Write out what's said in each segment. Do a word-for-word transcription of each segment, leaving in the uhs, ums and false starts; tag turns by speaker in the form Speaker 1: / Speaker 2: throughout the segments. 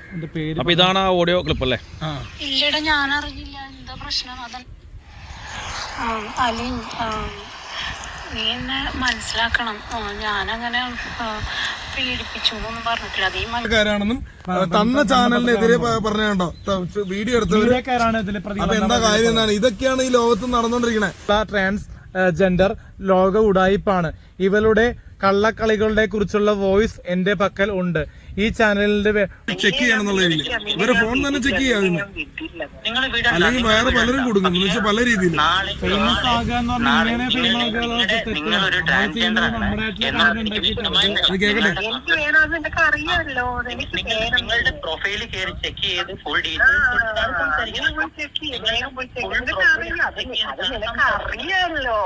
Speaker 1: അപ്പൊ ഇതാണ് ആ ഓഡിയോ ക്ലിപ്പ് അല്ലേ?
Speaker 2: ഇല്ലടാ ഞാൻ അറിഞ്ഞില്ല എന്താ പ്രശ്നം. അതൻ അലി നീ എന്നെ മനസ്സിലാക്കണം. ഞാനങ്ങനെ പീഡിപ്പിച്ചു എന്നൊന്നും പറഞ്ഞിട്ടില്ല.
Speaker 3: അതീകാരാണെന്നും തന്ന ചാനലിനെതിരെ പറഞ്ഞോ വീഡിയോ എടുത്തവര്. അപ്പൊ എന്താ കാര്യം എന്നാണ്? ഇതൊക്കെയാണ് ഈ ലോകത്ത് നടന്നുകൊണ്ടിരിക്കുന്നത്.
Speaker 4: ട്രാൻസ് ജെൻഡർ ലോക ഉടായിപ്പാണ്. ഇവളുടെ കള്ളക്കളികളുടെ കുറിച്ചുള്ള വോയിസ് എന്റെ പക്കൽ ഉണ്ട്. ഈ ചാനലിന്റെ
Speaker 3: ചെക്ക് ചെയ്യണമെന്നുള്ള രീതിയിൽ ഇവരെ ഫോൺ തന്നെ ചെക്ക് ചെയ്യാതില്ല, അല്ലെങ്കിൽ വേറെ പലരും കൊടുക്കും എന്ന് വെച്ചാൽ പല രീതിയിൽ
Speaker 4: ഫേമസ് ആകാന്ന് പറഞ്ഞാൽ ഇങ്ങനെ ഫേമസ്
Speaker 3: കേക്കട്ടെ.
Speaker 5: നിങ്ങളുടെ പ്രൊഫൈല് കയറി ചെക്ക് ചെയ്ത് ഫുൾ
Speaker 2: അറിയാമല്ലോ.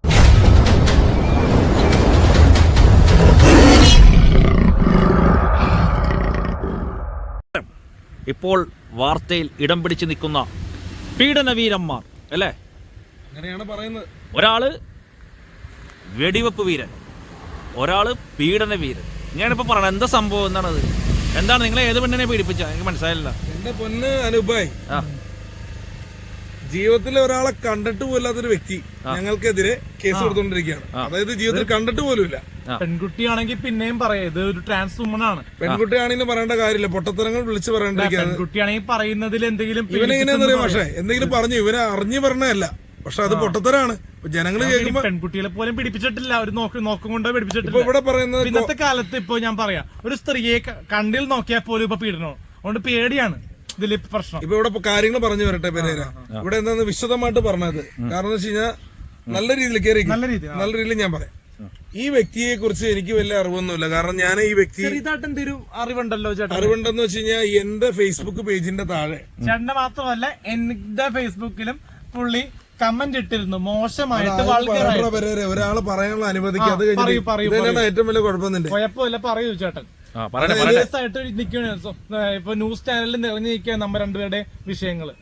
Speaker 1: ഇപ്പോൾ വാർത്തയിൽ ഇടം പിടിച്ചു നിൽക്കുന്ന പീഡനവീരന്മാർ അല്ലേ?
Speaker 3: അങ്ങനെയാണ് പറയുന്നത്.
Speaker 1: ഒരാള് വെടിവെപ്പ് വീരൻ, ഒരാള് പീഡന വീരൻ. ഞാനിപ്പോ പറയണത് എന്താ സംഭവം എന്താണത്? എന്താണ് നിങ്ങളെ ഏത് പെണ്ണിനെ പീഡിപ്പിച്ച? എനിക്ക് മനസ്സിലായില്ല.
Speaker 3: എന്റെ പൊന്ന് അനുഭായ്, ജീവിതത്തിൽ ഒരാളെ കണ്ടിട്ട് പോലാത്തൊരു വ്യക്തി ഞങ്ങൾക്കെതിരെ കേസ് കൊടുത്തോണ്ടിരിക്കുകയാണ്. അതായത് ജീവിതത്തിൽ കണ്ടിട്ട് പോലുമില്ല.
Speaker 4: പെൺകുട്ടിയാണെങ്കിൽ പിന്നെയും പറയാം, ഇത് ഒരു ട്രാൻസ് വുമൺ ആണ്.
Speaker 3: പെൺകുട്ടിയാണെങ്കിലും പറയേണ്ട കാര്യമില്ല, പൊട്ടത്തരങ്ങൾ വിളിച്ച് പറയേണ്ടിരിക്കുകയാണ്.
Speaker 4: പെൺകുട്ടിയാണെങ്കിൽ പറയുന്നതിൽ എന്തെങ്കിലും
Speaker 3: ഇവനെങ്ങനെയാന്ന് അറിയാം. പക്ഷേ എന്തെങ്കിലും പറഞ്ഞു ഇവനെ അറിഞ്ഞു പറഞ്ഞതല്ല, പക്ഷെ അത് പൊട്ടത്തരാണ്. ജനങ്ങള് കേൾക്കുമ്പോ
Speaker 4: പെൺകുട്ടികളെ പോലും പിടിപ്പിച്ചിട്ടില്ല, ഒരു നോക്കും നോക്കും കൊണ്ടോ പിടിപ്പിച്ചിട്ടില്ല.
Speaker 3: ഇവിടെ പറയുന്നത്
Speaker 4: ഇന്നത്തെ കാലത്ത് ഇപ്പൊ ഞാൻ പറയാം, ഒരു സ്ത്രീയെ കണ്ടിൽ നോക്കിയാൽ പോലും ഇപ്പൊ പീഡനം. അതുകൊണ്ട് പേടിയാണ് ഇതില് പ്രശ്നം.
Speaker 3: ഇപ്പൊ ഇവിടെ കാര്യങ്ങൾ പറഞ്ഞു വരട്ടെ പെരേര. ഇവിടെ എന്താന്ന് വിശദമായിട്ട് പറഞ്ഞത് കാരണം എന്ന് വെച്ച് കഴിഞ്ഞാൽ നല്ല രീതിയിൽ കയറി നല്ല രീതിയിൽ ഞാൻ പറയാം. ഈ വ്യക്തിയെ കുറിച്ച് എനിക്ക് വലിയ അറിവൊന്നുമില്ല. കാരണം ഞാൻ ഈ വ്യക്തി
Speaker 4: അറിവുണ്ടല്ലോ ചേട്ടാ.
Speaker 3: അറിവുണ്ടെന്ന് വെച്ച് കഴിഞ്ഞാൽ എന്റെ ഫേസ്ബുക്ക് പേജിന്റെ താഴെ
Speaker 4: ചേട്ടന്റെ മാത്രമല്ല എന്റെ ഫേസ്ബുക്കിലും പുള്ളി കമന്റ് ഇട്ടിരുന്നു മോശമായിട്ട്.
Speaker 3: ഒരാള് പറയാനുള്ള അനുമതിക്ക് അത് കഴിഞ്ഞാൽ ഏറ്റവും വലിയ കുഴപ്പമൊന്നുമില്ല.
Speaker 4: കുഴപ്പമില്ല, പറയൂ ചേട്ടൻ. ആയിട്ട് നിൽക്കുകയാണ് ഇപ്പൊ ന്യൂസ് ചാനലിൽ നിറഞ്ഞു നിൽക്കുക നമ്മ രണ്ടുപേരുടെ വിഷയങ്ങള്.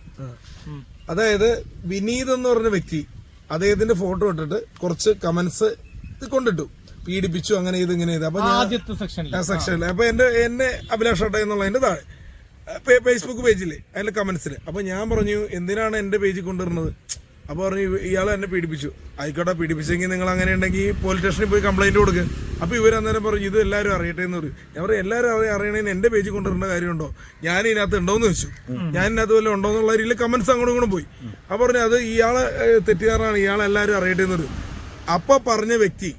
Speaker 3: അതായത് വിനീത് എന്ന് പറഞ്ഞ വ്യക്തി അദ്ദേഹത്തിന്റെ ഫോട്ടോ ഇട്ടിട്ട് കുറച്ച് കമന്റ്സ് കൊണ്ടിട്ടു, പീഡിപ്പിച്ചു, അങ്ങനെ ഇത് ഇങ്ങനെ ഇത്. അപ്പൊ
Speaker 4: ആദ്യത്തെ സെക്ഷനിൽ
Speaker 3: സെക്ഷനിൽ അപ്പൊ എന്റെ എന്നെ അഭിലാഷ് ഏട്ട എന്നുള്ളതിന്റെ താഴെ ഫേസ്ബുക്ക് പേജില് അതിന്റെ കമന്റ്സില്. അപ്പൊ ഞാൻ പറഞ്ഞു എന്തിനാണ് എന്റെ പേജിൽ കൊണ്ടുവരുന്നത്? അപ്പൊ പറഞ്ഞു ഇയാൾ എന്നെ പീഡിപ്പിച്ചു. ആയിക്കോട്ടെ, പീഡിപ്പിച്ചെങ്കിൽ നിങ്ങൾ അങ്ങനെ ഉണ്ടെങ്കിൽ പോലീസ് സ്റ്റേഷനിൽ പോയി കംപ്ലൈന്റ് കൊടുക്കുക. അപ്പൊ ഇവർ അന്നേരം പറഞ്ഞു ഇത് എല്ലാവരും അറിയട്ടെ എന്ന് പറയും. ഞാൻ പറയും എല്ലാവരും അറിയണേന് എന്റെ പേജിൽ കൊണ്ടുവരേണ്ട കാര്യമുണ്ടോ? ഞാൻ ഇതിനകത്ത് ഉണ്ടോന്ന് വെച്ചു, ഞാൻ ഇതിനകത്ത് വല്ല ഉണ്ടോ എന്നുള്ള രീതിയിൽ കമന്റ്സ് അങ്ങോട്ടും ഇങ്ങോട്ടും പോയി. അപ്പൊ പറഞ്ഞു അത് ഇയാളെ തെറ്റുകാരനാണ്, ഇയാളെ എല്ലാവരും അറിയട്ടെ എന്ന് പറയും. അപ്പൊ പറഞ്ഞ വ്യക്തി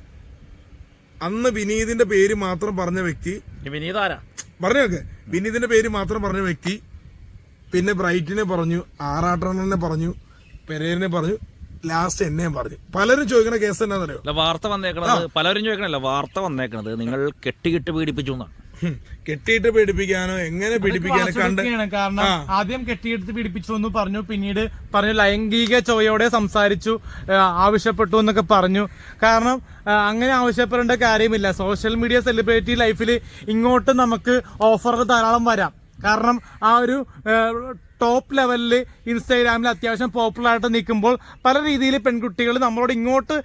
Speaker 3: അന്ന് വിനീതിന്റെ പേര് മാത്രം പറഞ്ഞ വ്യക്തി പറഞ്ഞോക്കെ വിനീതിന്റെ പേര് മാത്രം പറഞ്ഞ വ്യക്തി പിന്നെ ബ്രൈറ്റിനെ പറഞ്ഞു, ആറാട്ടണ്ണനെ പറഞ്ഞു, പെരേരനെ പറഞ്ഞു, ലാസ്റ്റ് എന്നെയും പറഞ്ഞു. പലരും ചോദിക്കണ കേസ് എന്നാന്നറിയോ?
Speaker 1: വാർത്ത വന്നേക്കണത് പലരും ചോദിക്കണല്ല, വാർത്ത വന്നേക്കണത് നിങ്ങൾ കെട്ടിക്കിട്ട് പീഡിപ്പിച്ചു എന്നാണ്.
Speaker 3: കെട്ടിയിട്ട് പീഡിപ്പിക്കാനോ എങ്ങനെ പീഡിപ്പിക്കാനോ കണ്ട്.
Speaker 4: കാരണം ആദ്യം കെട്ടിയെടുത്ത് പീഡിപ്പിച്ചു എന്ന് പറഞ്ഞു, പിന്നീട് പറഞ്ഞു ലൈംഗിക ചോയോടെ സംസാരിച്ചു, ആവശ്യപ്പെട്ടു എന്നൊക്കെ പറഞ്ഞു. കാരണം അങ്ങനെ ആവശ്യപ്പെടേണ്ട കാര്യമില്ല. സോഷ്യൽ മീഡിയ സെലിബ്രിറ്റി ലൈഫിൽ ഇങ്ങോട്ട് നമുക്ക് ഓഫറുകൾ ധാരാളം വരാം. കാരണം ആ ഒരു ടോപ്പ് ലെവലിൽ ഇൻസ്റ്റാഗ്രാമിൽ അത്യാവശ്യം പോപ്പുലർ ആയിട്ട് നിൽക്കുമ്പോൾ പല രീതിയിൽ പെൺകുട്ടികൾ നമ്മളോട് ഇങ്ങോട്ട്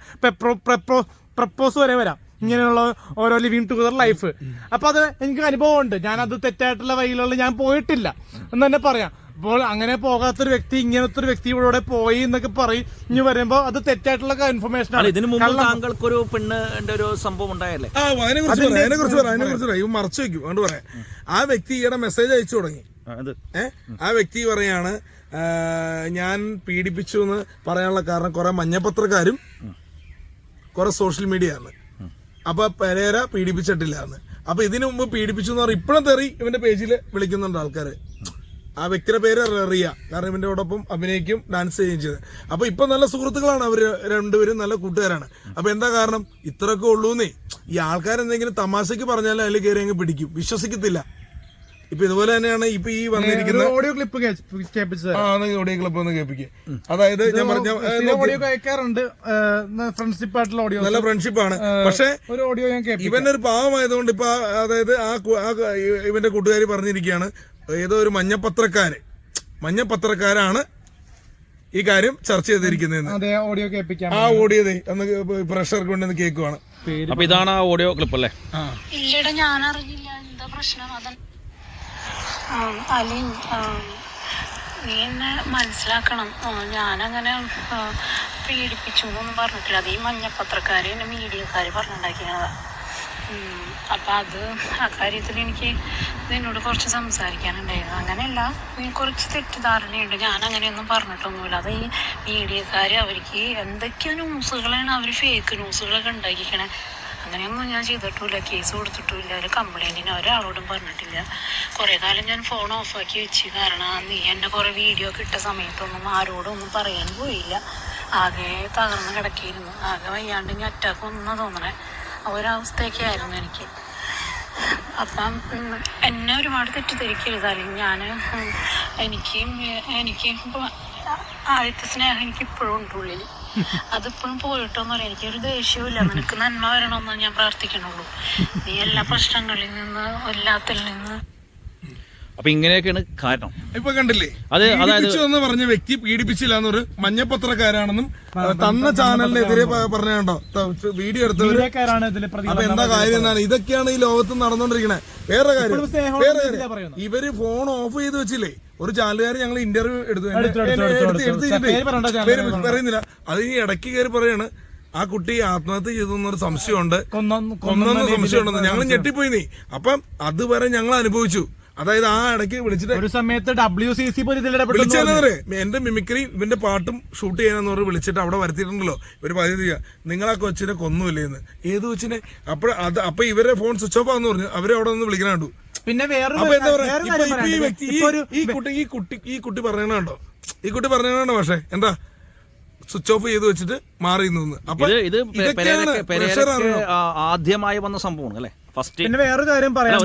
Speaker 4: പ്രപ്പോസ് വരെ വരാം, ഇങ്ങനെയുള്ള ഓരോ ലിവിങ് ടുഗദർ ലൈഫ്. അപ്പൊ അത് എനിക്ക് അനുഭവമുണ്ട്. ഞാനത് തെറ്റായിട്ടുള്ള വഴിയിലുള്ള ഞാൻ പോയിട്ടില്ല എന്ന് തന്നെ പറയാം. അപ്പോൾ അങ്ങനെ പോകാത്തൊരു വ്യക്തി ഇങ്ങനത്തെ ഒരു വ്യക്തി ഇവിടെ പോയി എന്നൊക്കെ പറയും. ഇനി വരുമ്പോ അത് തെറ്റായിട്ടുള്ള ഇൻഫർമേഷൻ ആണ്.
Speaker 1: ഇതിനു മുമ്പ് താങ്കൾക്കൊരു പെണ്ണിന്റെ ഒരു സംഭവം ഉണ്ടായല്ലേ?
Speaker 3: അതിനെ കുറിച്ച് അതിനെ കുറിച്ച് അതിനെ കുറിച്ച് ഇവ മറച്ചു വെക്കും. അതുകൊണ്ട് പറയാം, ആ വ്യക്തി ഈയിടെ മെസ്സേജ് അയച്ചു തുടങ്ങി. ഏഹ് ആ വ്യക്തി പറയാണ് ഞാൻ പീഡിപ്പിച്ചു എന്ന് പറയാനുള്ള കാരണം കുറെ മഞ്ഞപത്രക്കാരും കുറെ സോഷ്യൽ മീഡിയ ആണ്. അപ്പൊ പെരേര പീഡിപ്പിച്ചിട്ടില്ല എന്ന്. അപ്പൊ ഇതിനു മുമ്പ് പീഡിപ്പിച്ചു എന്ന് പറഞ്ഞാൽ ഇപ്പഴും തെറി ഇവന്റെ പേജിൽ വിളിക്കുന്നുണ്ട് ആൾക്കാര്. ആ വ്യക്തിയുടെ പേര് റിയ, കാരണം ഇവന്റെ ഓടൊപ്പം അഭിനയിക്കും ഡാൻസ് ചെയ്യുകയും ചെയ്തത്. അപ്പൊ ഇപ്പൊ നല്ല സുഹൃത്തുക്കളാണ് അവര് രണ്ടുപേരും, നല്ല കൂട്ടുകാരാണ്. അപ്പൊ എന്താ കാരണം? ഇത്രയൊക്കെ ഉള്ളൂന്നേ. ഈ ആൾക്കാരെന്തെങ്കിലും തമാശക്ക് പറഞ്ഞാലും അതിൽ കയറി അങ്ങ് പിടിക്കും, വിശ്വസിക്കത്തില്ല. ഇപ്പൊ ഇതുപോലെ തന്നെയാണ് ഇപ്പൊ ഈ വന്നിരിക്കുന്ന
Speaker 4: ഓഡിയോ ക്ലിപ്പ്
Speaker 3: ഓഡിയോ ക്ലിപ്പ് ഒന്ന് കേൾപ്പിക്കുക. അതായത് ഞാൻ പറഞ്ഞ
Speaker 4: ഓഡിയോ കേൾക്കാറുണ്ട്, ഫ്രണ്ട്ഷിപ്പ് ആയിട്ടുള്ള ഓഡിയോ,
Speaker 3: നല്ല ഫ്രണ്ട്ഷിപ്പാണ്. പക്ഷെ
Speaker 4: ഒരു ഓഡിയോ ഞാൻ
Speaker 3: ഇവന്റെ ഒരു പാവമായതുകൊണ്ട് ഇപ്പൊ അതായത് ആ ഇവന്റെ കൂട്ടുകാരി പറഞ്ഞിരിക്കുകയാണ്, ഏതോ ഒരു മഞ്ഞപത്രക്കാര് മഞ്ഞപത്രക്കാരാണ് ഈ കാര്യം ചർച്ച ചെയ്തിരിക്കുന്നത്.
Speaker 4: ഓഡിയോ കേൾപ്പിക്കാം.
Speaker 3: ആ ഓഡിയോ ഒന്ന് പ്രഷർക്ക് വേണ്ടി കേൾക്കുവാണ്.
Speaker 1: അപ്പൊ ഇതാണ് ആ ഓഡിയോ ക്ലിപ്പ് അല്ലേ?
Speaker 2: ഇല്ലടാ ഞാൻ അറിഞ്ഞില്ല എന്താ പ്രശ്നം. അതൻ ആം, അലി ആം, നീ എന്നെ മനസ്സിലാക്കണം. ആ, ഞാനങ്ങനെ ആ, പീഡിപ്പിച്ചു എന്നൊന്നും പറഞ്ഞിട്ടില്ല. അത് ഈ മഞ്ഞപ്പത്രക്കാർ എന്നെ മീഡിയക്കാർ പറഞ്ഞുണ്ടാക്കിയതാണ്. അപ്പം അത് ആ കാര്യത്തിൽ എനിക്ക് നിന്നോട് കുറച്ച് സംസാരിക്കാനുണ്ടായിരുന്നു. അങ്ങനെയല്ല, നീ കുറച്ച് തെറ്റിദ്ധാരണയുണ്ട്. ഞാൻ അങ്ങനെയൊന്നും പറഞ്ഞിട്ടൊന്നുമില്ല. അത് ഈ മീഡിയക്കാർ അവർക്ക് എന്തൊക്കെയോ ന്യൂസുകളാണ് അവർ ഫേക്ക് ന്യൂസുകളൊക്കെ ഉണ്ടാക്കിക്കണേ. അങ്ങനെയൊന്നും ഞാൻ ചെയ്തിട്ടില്ല, കേസ് കൊടുത്തിട്ടില്ല, ഒരു കംപ്ലൈൻറ്റിന് ഒരാളോടും പറഞ്ഞിട്ടില്ല. കുറേ കാലം ഞാൻ ഫോൺ ഓഫാക്കി വെച്ച്. കാരണം നീ എൻ്റെ കുറേ വീഡിയോ ഒക്കെ ഇട്ട സമയത്തൊന്നും ആരോടും ഒന്നും പറയാൻ പോയില്ല. ആകെ തകർന്ന് കിടക്കിയിരുന്നു. ആകെ വയ്യാണ്ട് ഇനി അറ്റാക്ക് ഒന്നും തോന്നണേ ഒരവസ്ഥയൊക്കെ ആയിരുന്നു എനിക്ക്. അപ്പം ഉം, എന്നെ ഒരുപാട് തെറ്റിദ്ധരിക്കരുത്. അല്ലെങ്കിൽ ഞാൻ എനിക്ക് എനിക്ക് ഇപ്പോൾ ആദ്യത്തെ സ്നേഹം എനിക്ക് ഇപ്പോഴും ഉണ്ട് ഉള്ളിൽ. അതിപ്പോഴും പോയിട്ടൊന്നുമില്ല. എനിക്കൊരു ദേഷ്യമില്ല. നിനക്ക് നന്മ വരണമെന്ന് ഞാൻ പ്രാർത്ഥിക്കണുള്ളൂ. നീ എല്ലാ പ്രശ്നങ്ങളിൽ നിന്ന് എല്ലാത്തിൽ നിന്ന്
Speaker 1: അപ്പൊ ഇങ്ങനെയൊക്കെയാണ് കാരണം.
Speaker 3: ഇപ്പൊ കണ്ടില്ലേ,
Speaker 1: അത് അതായത്
Speaker 3: പീഡിപ്പിച്ചു എന്ന് പറഞ്ഞ വ്യക്തി പീഡിപ്പിച്ചില്ല എന്നൊരു മഞ്ഞപ്പത്രക്കാരാണെന്നും തന്ന ചാനലിനെതിരെ പറഞ്ഞോ വീഡിയോ എടുത്തവര്.
Speaker 4: മീഡിയക്കാരാണ് ഇതിൽ
Speaker 3: അപ്പൊ
Speaker 4: പ്രതികരണം
Speaker 3: എന്താ കാര്യം എന്താണ്? ഇതൊക്കെയാണ് ഈ ലോകത്ത് നടന്നുകൊണ്ടിരിക്കണേ. വേറെ കാര്യം വേറെ കാര്യം ഇവര് ഫോൺ ഓഫ് ചെയ്ത് വെച്ചില്ലേ. ഒരു ചാനലുകാർ ഞങ്ങൾ ഇന്റർവ്യൂ എടുത്തു എടുത്ത് പറയുന്നില്ല. അത് ഈ ഇടയ്ക്ക് കയറി പറയാണ് ആ കുട്ടി ആത്മഹത്യ ചെയ്തു എന്നൊരു സംശയമുണ്ട്, കൊന്നെന്ന് സംശയമുണ്ടെന്ന്. ഞങ്ങൾ ഞെട്ടിപ്പോയി. നീ അപ്പം അതുവരെ ഞങ്ങൾ അനുഭവിച്ചു. അതായത് ആ ഇടയ്ക്ക് വിളിച്ചിട്ട്
Speaker 4: ഒരു സമയത്ത് ഡബ്ല്യു സി സി
Speaker 3: വിളിച്ചെന്നറിയ എന്റെ മിമിക്രി ഇവന്റെ പാട്ടും ഷൂട്ട് ചെയ്യാനെന്ന് പറഞ്ഞ് വിളിച്ചിട്ട് അവിടെ വരുത്തിയിട്ടുണ്ടല്ലോ. ഇവര് പറയുക നിങ്ങളാ കൊച്ചിനെ കൊന്നുമില്ലേന്ന്. ഏത് കൊച്ചിനെ? അപ്പൊ അത് അപ്പൊ ഇവരെ ഫോൺ സ്വിച്ച് ഓഫ് ആന്ന് പറഞ്ഞു. അവരെ അവിടെ നിന്ന് വിളിക്കണ കണ്ടു.
Speaker 4: പിന്നെ വേറെ
Speaker 3: അപ്പൊ എന്താ പറയാ, ഇപ്പൊ ഇപ്പൊ ഈ വ്യക്തി ഈ കുട്ടി ഈ കുട്ടി ഈ കുട്ടി പറയണോ ഈ കുട്ടി പറയണോ പക്ഷെ എന്താ സ്വിച്ച് ഓഫ് ചെയ്ത് വെച്ചിട്ട് മാറി നിന്ന്. അപ്പൊ
Speaker 1: ഇത് ഇത് പെരേരയ്ക്ക് പെരേരയ്ക്ക് ആദ്യമായി വന്ന സംഭവമാണ് അല്ലെ ഫസ്റ്റ്.
Speaker 4: പിന്നെ വേറൊരു കാര്യം പറയാം,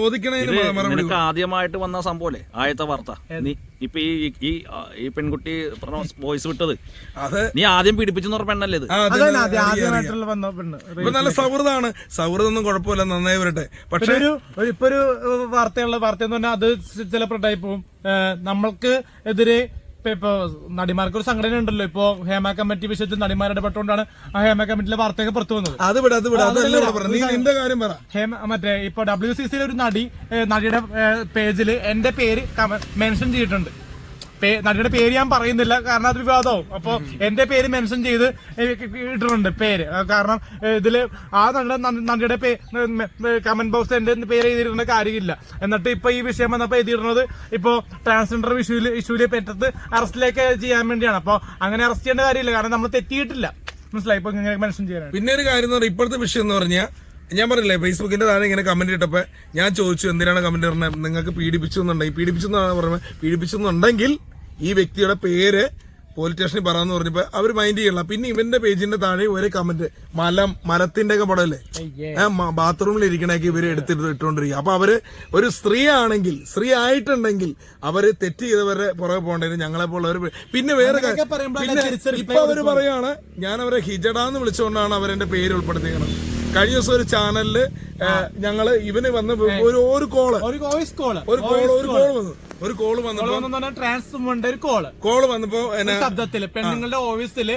Speaker 1: നിനക്ക് ആദ്യമായിട്ട് വന്ന സംഭവല്ലേ ആദ്യത്തെ വാർത്ത. നീ ഇപ്പൊ ഈ ഈ ഈ പെൺകുട്ടി വോയിസ് വിട്ടത്
Speaker 3: അത്
Speaker 1: നീ ആദ്യം പീഡിപ്പിച്ചെന്ന് പറഞ്ഞ പെണ്ണല്ലേ ഇത്?
Speaker 4: ആദ്യമായിട്ടുള്ള വന്ന പെണ്ണ്.
Speaker 3: ഇപ്പൊ നല്ല സൗഹൃദമാണ്. സൗഹൃദമൊന്നും കുഴപ്പമില്ല, നന്നായി വരട്ടെ. പക്ഷെ
Speaker 4: ഒരു ഇപ്പൊ ഒരു വാർത്തയുള്ള വാർത്ത എന്ന് പറഞ്ഞാൽ അത് ചിലപ്പോൾ ടൈപ്പും നമ്മൾക്ക് എതിരെ ഇപ്പൊ നടിമാർക്ക് ഒരു സംഘടന ഉണ്ടല്ലോ. ഇപ്പൊ ഹേമ കമ്മിറ്റി വിഷയത്തിൽ നടിമാർ ഇടപെട്ടുകൊണ്ടാണ് ആ ഹേമ കമ്മിറ്റിയിലെ വാർത്തയൊക്കെ പുറത്തു വന്നത്.
Speaker 3: അത് വിട അത് വിട നിന്റെ കാര്യം പറ.
Speaker 4: ഹേമ മറ്റേ ഇപ്പൊ ഡബ്ല്യു സി സിയിലെ ഒരു നടി നടിയുടെ പേജിൽ എന്റെ പേര് മെൻഷൻ ചെയ്തിട്ടുണ്ട്. നടിയുടെ പേര് ഞാൻ പറയുന്നില്ല കാരണം അത് വിവാദവും. അപ്പൊ എന്റെ പേര് മെൻഷൻ ചെയ്ത് ഇട്ടിട്ടുണ്ട് പേര്. കാരണം ഇതില് ആ നടിയുടെ കമന്റ് ബോക്സ് എന്റെ പേര് എഴുതിയിരുന്ന കാര്യമില്ല. എന്നിട്ട് ഇപ്പൊ ഈ വിഷയം വന്നപ്പോ എഴുതിയിരുന്നത് ഇപ്പൊ ട്രാൻസ്ജെൻഡർ ഇഷ്യൂല് ഇഷ്യൂല് പറ്റത്ത് അറസ്റ്റിലേക്ക് ചെയ്യാൻ വേണ്ടിയാണ്. അപ്പൊ അങ്ങനെ അറസ്റ്റ് ചെയ്യേണ്ട കാര്യമില്ല, കാരണം നമ്മൾ തെറ്റിയിട്ടില്ല. മനസ്സിലായി? ഇപ്പൊ ഇങ്ങനെ മെൻഷൻ ചെയ്യാൻ.
Speaker 3: പിന്നെ ഒരു കാര്യം എന്ന് പറഞ്ഞാൽ ഇപ്പോഴത്തെ വിഷയം എന്ന് പറഞ്ഞാൽ ഞാൻ പറഞ്ഞില്ലേ ഫേസ്ബുക്കിന്റെ താഴെ ഇങ്ങനെ കമന്റ് ഇട്ടപ്പോ ഞാൻ ചോദിച്ചു എന്തിനാണ് കമന്റ് പറഞ്ഞത്, നിങ്ങൾക്ക് പീഡിപ്പിച്ചു എന്നുണ്ടെങ്കിൽ പീഡിപ്പിച്ചു എന്നാണ് പറഞ്ഞത്. പീഡിപ്പിച്ചെന്നുണ്ടെങ്കിൽ ഈ വ്യക്തിയുടെ പേര് പോലീസ് സ്റ്റേഷനിൽ പറയാന്ന് പറഞ്ഞപ്പോ അവർ മൈൻഡ് ചെയ്യണം. പിന്നെ ഇവന്റെ പേജിന്റെ താഴെ ഒരു കമന്റ് മലം മലത്തിന്റെ ഒക്കെ പടമല്ലേ ബാത്റൂമിൽ ഇരിക്കണേക്ക് ഇവര് എടുത്തിട്ട് ഇട്ടുകൊണ്ടിരിക്കുക. അപ്പൊ അവര് ഒരു സ്ത്രീ ആണെങ്കിൽ സ്ത്രീ ആയിട്ടുണ്ടെങ്കിൽ അവര് തെറ്റ് ചെയ്തവരെ പുറകെ പോകേണ്ടത് ഞങ്ങളെ പോലുള്ളവർ. പിന്നെ വേറെ കാര്യം പിന്നെ ഇപ്പൊ അവര് പറയാണ് ഞാൻ അവരെ ഹിജഡാന്ന് വിളിച്ചുകൊണ്ടാണ് അവരെന്റെ പേര് ഉൾപ്പെടുത്തിയത്. കഴിഞ്ഞ ദിവസം ഒരു ചാനലില് ഞങ്ങള് ഇവന് വന്ന് ഒരു ഒരു കോള്
Speaker 4: ഒരു വോയിസ് കോള്
Speaker 3: ഒരു കോള് ഒരു കോള് വന്നു ഒരു കോള് വന്നപ്പോ
Speaker 4: ട്രാൻസ്മെന്റ് ഒരു കോള്
Speaker 3: കോള് വന്നപ്പോ
Speaker 4: ശബ്ദത്തില് പെണ്ണുങ്ങളുടെ വോയിസില്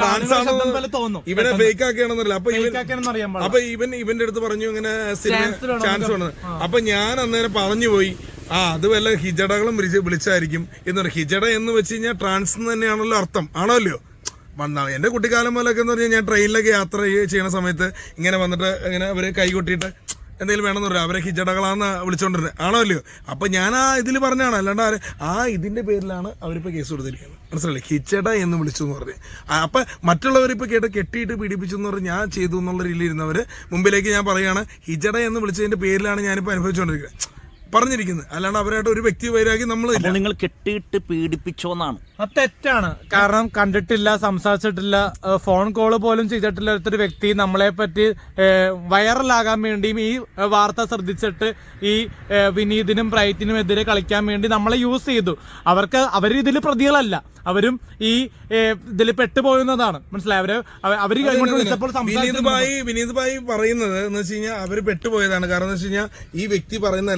Speaker 4: തോന്നും
Speaker 3: ഇവനെ ഫേക്ക് ആക്കിയാണെന്നല്ല. അപ്പൊ
Speaker 4: അറിയാൻ
Speaker 3: അപ്പൊ ഇവൻ ഇവന്റെ അടുത്ത് പറഞ്ഞു ഇങ്ങനെ ചാൻസ് വേണം. അപ്പൊ ഞാൻ അന്നേരം പറഞ്ഞു പോയി ആ അത് വല്ല ഹിജടകളും വിളിച്ചായിരിക്കും എന്ന് പറയും. ഹിജട എന്ന് വെച്ച് കഴിഞ്ഞാൽ ട്രാൻസ് തന്നെയാണല്ലോ അർത്ഥം, ആണല്ലോ. വന്നാൽ എന്റെ കുട്ടിക്കാലം പോലൊക്കെ എന്ന് പറഞ്ഞാൽ ഞാൻ ട്രെയിനിലൊക്കെ യാത്ര ചെയ്യുന്ന സമയത്ത് ഇങ്ങനെ വന്നിട്ട് ഇങ്ങനെ അവര് കൈകൊട്ടിയിട്ട് എന്തെങ്കിലും വേണമെന്ന് പറയാം അവരെ ഹിജടകളാന്ന് വിളിച്ചോണ്ടിരുന്നത്, ആണോ അല്ലയോ? അപ്പൊ ഞാൻ ആ ഇതിൽ പറഞ്ഞാണ്, അല്ലാണ്ട് ആ ഇതിന്റെ പേരിലാണ് അവരിപ്പോ കേസ് കൊടുത്തിരിക്കുന്നത്. മനസ്സിലല്ലേ? ഹിജട എന്ന് വിളിച്ചു എന്ന് പറഞ്ഞ്. അപ്പൊ മറ്റുള്ളവരിപ്പോ കേട്ട് കെട്ടിയിട്ട് പീഡിപ്പിച്ചു എന്ന് പറഞ്ഞ് ഞാൻ ചെയ്തു എന്നുള്ള രീതിയിൽ ഇരുന്നവര് മുമ്പിലേക്ക് ഞാൻ പറയുകയാണ് ഹിജട എന്ന് വിളിച്ചതിന്റെ പേരിലാണ് ഞാനിപ്പോ അനുഭവിച്ചുകൊണ്ടിരിക്കുന്നത് പറഞ്ഞിരിക്കുന്നത്. അല്ലാണ്ട് അവരായിട്ട് ഒരു വ്യക്തി വൈരാഗ്യം നമ്മൾ
Speaker 1: നിങ്ങൾ കെട്ടിയിട്ട് പീഡിപ്പിച്ചോന്നാണ്.
Speaker 4: അത് തെറ്റാണ്. കാരണം കണ്ടിട്ടില്ല, സംസാരിച്ചിട്ടില്ല, ഫോൺ കോള് പോലും ചെയ്തിട്ടില്ല ഒരു വ്യക്തി നമ്മളെ പറ്റി വൈറലാകാൻ വേണ്ടിയും ഈ വാർത്ത ശ്രദ്ധിച്ചിട്ട് ഈ വിനീതിനും ബ്രൈറ്റിനും എതിരെ കളിക്കാൻ വേണ്ടി നമ്മളെ യൂസ് ചെയ്തു. അവർക്ക് അവർ ഇതിൽ പ്രതികളല്ല, അവരും ഈ ഇതിൽ പെട്ടുപോകുന്നതാണ്. മനസ്സിലായി? അവര് അവര് വിളിച്ചപ്പോൾ
Speaker 3: വിനീത് ഭായി വിനീത് ഭായി പറയുന്നത് എന്ന് വെച്ച് കഴിഞ്ഞാൽ അവര് പെട്ടുപോയതാണ്. കാരണം എന്ന് വെച്ച് കഴിഞ്ഞാൽ ഈ വ്യക്തി പറയുന്ന എല്ലാം കള്ളത്തരം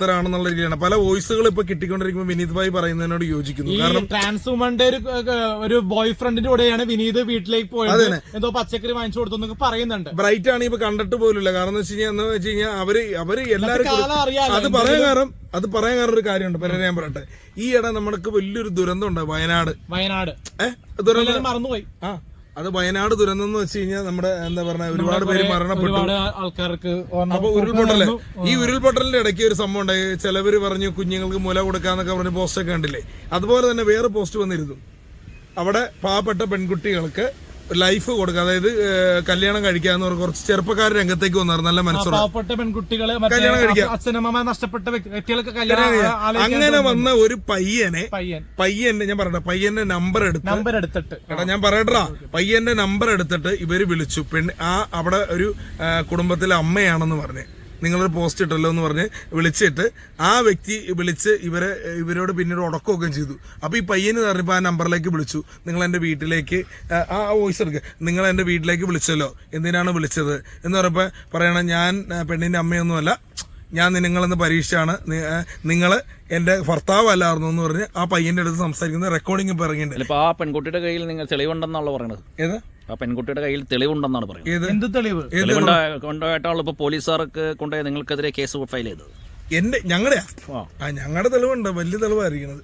Speaker 3: കള്ളത്തരാണെന്നുള്ള രീതിയിലാണ് പല വോയിസുകൾ ഇപ്പൊ കിട്ടിക്കൊണ്ടിരിക്കുമ്പോൾ വിനീത് ഭായി പറയുന്നതിനോട് യോജിക്കുന്നു. കാരണം
Speaker 4: ട്രാൻസ് വുമന്റെ ഒരു ഒരു ബോയ് ഫ്രണ്ടിന്റെ കൂടെയാണ് വിനീത് വീട്ടിലേക്ക് പോയത്, എന്തോ പച്ചക്കറി വാങ്ങിച്ചു കൊടുത്തു പറയുന്നുണ്ട്.
Speaker 3: ബ്രൈറ്റ് ആണ് ഇപ്പൊ കണ്ടിട്ട് പോലുമില്ല. കാരണം എന്ന് വെച്ച് കഴിഞ്ഞാൽ എന്ന് വെച്ച് കഴിഞ്ഞാൽ അവര് അവര് എല്ലാവരും അത് പറയാൻ കാരണം അത് പറയാൻ കാരണം ഒരു കാര്യമുണ്ട്. പിന്നെ ഞാൻ പറയട്ടെ, ഈ ഇട നമ്മൾക്ക് വലിയൊരു ദുരന്തം ഉണ്ട് വയനാട്.
Speaker 4: വയനാട്
Speaker 3: ഏഹ് ദുരന്തം
Speaker 4: മറന്നുപോയി.
Speaker 3: ആ അത് വയനാട് ദുരന്തം എന്ന് വെച്ച് കഴിഞ്ഞാൽ നമ്മുടെ എന്താ പറഞ്ഞ ഒരുപാട് പേര് മരണപ്പെട്ടു.
Speaker 4: ആൾക്കാർക്ക്
Speaker 3: അപ്പൊ ഉരുൾപൊട്ടല് ഈ ഉരുൾപൊട്ടലിന്റെ ഇടയ്ക്ക് ഒരു സംഭവം ഉണ്ടായി. ചിലവര് പറഞ്ഞു കുഞ്ഞുങ്ങൾക്ക് മുല കൊടുക്കാന്നൊക്കെ പറഞ്ഞ പോസ്റ്റ് ഒക്കെ കണ്ടില്ലേ. അതുപോലെ തന്നെ വേറെ പോസ്റ്റ് വന്നിരുന്നു. അവിടെ പാവപ്പെട്ട പെൺകുട്ടികൾക്ക് ലൈഫ് കൊടുക്കുക, അതായത് കല്യാണം കഴിക്കാന്ന് പറഞ്ഞ കുറച്ച് ചെറുപ്പക്കാർ രംഗത്തേക്ക് വന്നായിരുന്നു. നല്ല മനസ്സോടെ
Speaker 4: പാവപ്പെട്ട പെൺകുട്ടികളെ
Speaker 3: കല്യാണം കഴിക്കാം,
Speaker 4: അച്ഛനമ്മ നഷ്ടപ്പെട്ട വ്യക്തികൾക്ക്
Speaker 3: അങ്ങനെ വന്ന ഒരു പയ്യനെ
Speaker 4: പയ്യൻ
Speaker 3: പയ്യന്റെ ഞാൻ പറയട്ടെ പയ്യന്റെ നമ്പർ എടുത്ത്
Speaker 4: നമ്പർ എടുത്തിട്ട്
Speaker 3: എടാ ഞാൻ പറയട്ടാ പയ്യന്റെ നമ്പർ എടുത്തിട്ട് ഇവര് വിളിച്ചു. പെൺ ആ അവിടെ ഒരു കുടുംബത്തിലെ അമ്മയാണെന്ന് പറഞ്ഞ് നിങ്ങളൊരു പോസ്റ്റ് ഇട്ടല്ലോ എന്ന് പറഞ്ഞ് വിളിച്ചിട്ട് ആ വ്യക്തി വിളിച്ച് ഇവരെ ഇവരോട് പിന്നീട് ഉടക്കമൊക്കെ ചെയ്തു. അപ്പൊ ഈ പയ്യന് പറഞ്ഞപ്പോൾ ആ നമ്പറിലേക്ക് വിളിച്ചു. നിങ്ങൾ എന്റെ വീട്ടിലേക്ക് ആ വോയിസ് എടുക്കുക, നിങ്ങൾ എന്റെ വീട്ടിലേക്ക് വിളിച്ചല്ലോ, എന്തിനാണ് വിളിച്ചത് എന്ന് പറഞ്ഞപ്പോ പറയണം ഞാൻ പെണ്ണിന്റെ അമ്മയൊന്നുമല്ല, ഞാൻ നിങ്ങളെന്ന് പരീക്ഷയാണ്, നിങ്ങൾ എന്റെ ഭർത്താവ് അല്ലായിരുന്നു എന്ന് പറഞ്ഞ് ആ പയ്യന്റെ അടുത്ത് സംസാരിക്കുന്ന റെക്കോർഡിംഗ് ഇപ്പൊ ഇറങ്ങിയിട്ടുണ്ട്.
Speaker 1: ആ പെൺകുട്ടിയുടെ കയ്യിൽ നിങ്ങൾ തെളിവുണ്ടെന്നാണല്ലോ പറയണത്.
Speaker 3: ഏത്
Speaker 1: ആ പെൺകുട്ടിയുടെ കയ്യിൽ തെളിവുണ്ടെന്നാണ് പറയുന്നത്.
Speaker 4: എന്ത് തെളിവ്?
Speaker 1: കൊണ്ടുപോയിട്ടാണല്ലോ ഇപ്പൊ പോലീസുകാർക്ക് കൊണ്ടുപോയി നിങ്ങൾക്കെതിരെ കേസ് ഫയൽ ചെയ്തത്.
Speaker 3: എന്റെ ഞങ്ങളുടെയാ ആ ഞങ്ങളുടെ തെളിവുണ്ട്, വലിയ തെളിവായിരിക്കുന്നത്.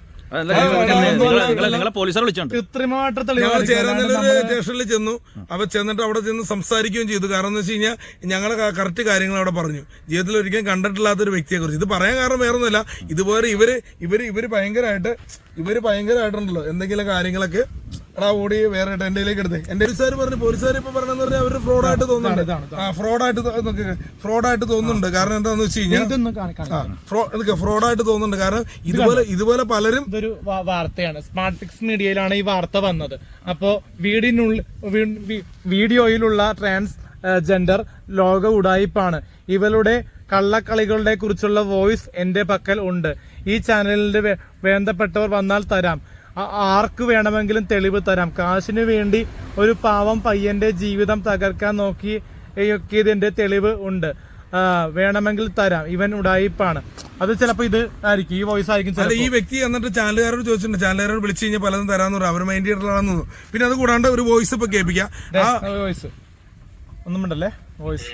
Speaker 1: നിങ്ങളെ പോലീസുകാർ വിളിച്ചോണ്ട്
Speaker 4: കൃത്രിമമായിട്ട്
Speaker 3: ഞങ്ങൾ ചേരാനല്ലൊരു സ്റ്റേഷനിൽ ചെന്നു. അവ ചെന്നിട്ട് അവിടെ ചെന്ന് സംസാരിക്കുകയും ചെയ്തു. കാരണം എന്ന് വെച്ച് കഴിഞ്ഞാൽ ഞങ്ങളെ കറക്റ്റ് കാര്യങ്ങൾ അവിടെ പറഞ്ഞു. ജീവിതത്തിൽ ഒരിക്കലും കണ്ടിട്ടില്ലാത്തൊരു വ്യക്തിയെ കുറിച്ച്. ഇത് പറയാൻ കാരണം വേറെ ഒന്നുമില്ല, ഇതുപോലെ ഇവര് ഇവര് ഇവര് ഭയങ്കരമായിട്ട് ഇവര് ഭയങ്കരമായിട്ടുണ്ടല്ലോ എന്തെങ്കിലും കാര്യങ്ങളൊക്കെ എടാ ഓടി വേറെ എന്റെയിലേക്ക് എടുത്തേ. എന്റെ പോലീസുകാർ പറഞ്ഞു പോലീസുകാർ ഇപ്പൊ പറഞ്ഞെന്ന് പറഞ്ഞാൽ അവര് ഫ്രോഡായിട്ട് തോന്നുന്നുണ്ട്. ആ ഫ്രോഡായിട്ട് ഫ്രോഡായിട്ട് തോന്നുന്നുണ്ട്. കാരണം എന്താന്ന് വെച്ച് കഴിഞ്ഞാൽ ഫ്രോഡായിട്ട് തോന്നുന്നുണ്ട്. കാരണം ഇതുപോലെ ഇതുപോലെ പലരും
Speaker 4: ഇതൊരു വാർത്തയാണ്. സ്മാർട്ട് പിക്സ് മീഡിയയിലാണ് ഈ വാർത്ത വന്നത്. അപ്പോ വീടിനുള്ളിൽ വീഡിയോയിലുള്ള ട്രാൻസ് ജെൻഡർ ലോക ഉടായിപ്പാണ്. ഇവരുടെ കള്ളക്കളികളുടെ കുറിച്ചുള്ള വോയിസ് എന്റെ പക്കൽ ഉണ്ട്. ഈ ചാനലിന്റെ വേണ്ടപ്പെട്ടവർ വന്നാൽ തരാം, ആർക്ക് വേണമെങ്കിലും തെളിവ് തരാം. കാശിനു വേണ്ടി ഒരു പാവം പയ്യന്റെ ജീവിതം തകർക്കാൻ നോക്കിയതിന്റെ തെളിവ് ഉണ്ട്, വേണമെങ്കിൽ തരാം. ഇവൻ ഉടായിപ്പാണ്. അത് ചിലപ്പോ ഇത് ആയിരിക്കും, ഈ വോയിസ് ആയിരിക്കും.
Speaker 3: ഈ വ്യക്തി എന്നിട്ട് ചാനലുകാരോട് ചോദിച്ചിട്ടുണ്ട്. ചാനലുകാരോട് വിളിച്ചു കഴിഞ്ഞാൽ പലതും തരാന്ന് പറയും, അവർ മൈൻഡ് ചെയ്തിട്ടാണെന്ന് തോന്നുന്നു. പിന്നെ അത് കൂടാണ്ട് ഒരു വോയിസ് ഇപ്പൊ കേൾപ്പിക്കാം.
Speaker 4: വോയിസ് ഒന്നും ഉണ്ടല്ലേ വോയിസ്.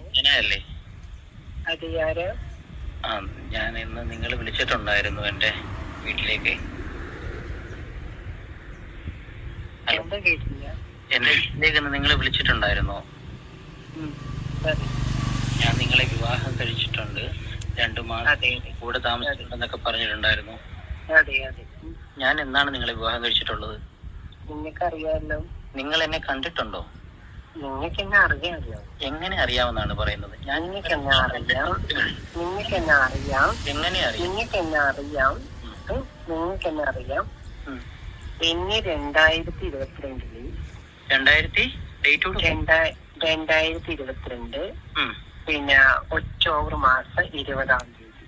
Speaker 5: ആ ഞാൻ ഇന്ന് നിങ്ങൾ വിളിച്ചിട്ടുണ്ടായിരുന്നു എന്റെ വീട്ടിലേക്ക്. എന്റെ വീട്ടിലേക്ക് നിങ്ങൾ വിളിച്ചിട്ടുണ്ടായിരുന്നോ? ഞാൻ നിങ്ങളെ വിവാഹം കഴിച്ചിട്ടുണ്ട്, രണ്ടു മാസം കൂടെ താമസിച്ചിട്ടുണ്ടെന്നൊക്കെ പറഞ്ഞിട്ടുണ്ടായിരുന്നു. ഞാൻ എന്നാണ് നിങ്ങളെ വിവാഹം കഴിച്ചിട്ടുള്ളത്?
Speaker 6: നിങ്ങൾക്കറിയാമല്ലോ.
Speaker 5: നിങ്ങൾ എന്നെ കണ്ടിട്ടുണ്ടോ?
Speaker 6: നിങ്ങൾക്ക് എന്നെ അറിയാമല്ലോ.
Speaker 5: എങ്ങനെ അറിയാമെന്നാണ് പറയുന്നത്? ഞാൻ
Speaker 6: നിങ്ങൾക്ക് എന്നെ അറിയാം, നിങ്ങൾക്ക് എന്നെ അറിയാം.
Speaker 5: എങ്ങനെ അറിയാം?
Speaker 6: നിങ്ങൾക്ക് എന്നെ അറിയാം, നിങ്ങൾക്ക് എന്നെ അറിയാം. എന്നെ രണ്ടായിരത്തി ഇരുപത്തിരണ്ടില്
Speaker 5: രണ്ടായിരത്തി
Speaker 6: രണ്ടായിരത്തി ഇരുപത്തിരണ്ട് പിന്നെ ഒക്ടോബർ മാസം ഇരുപതാം തീയതി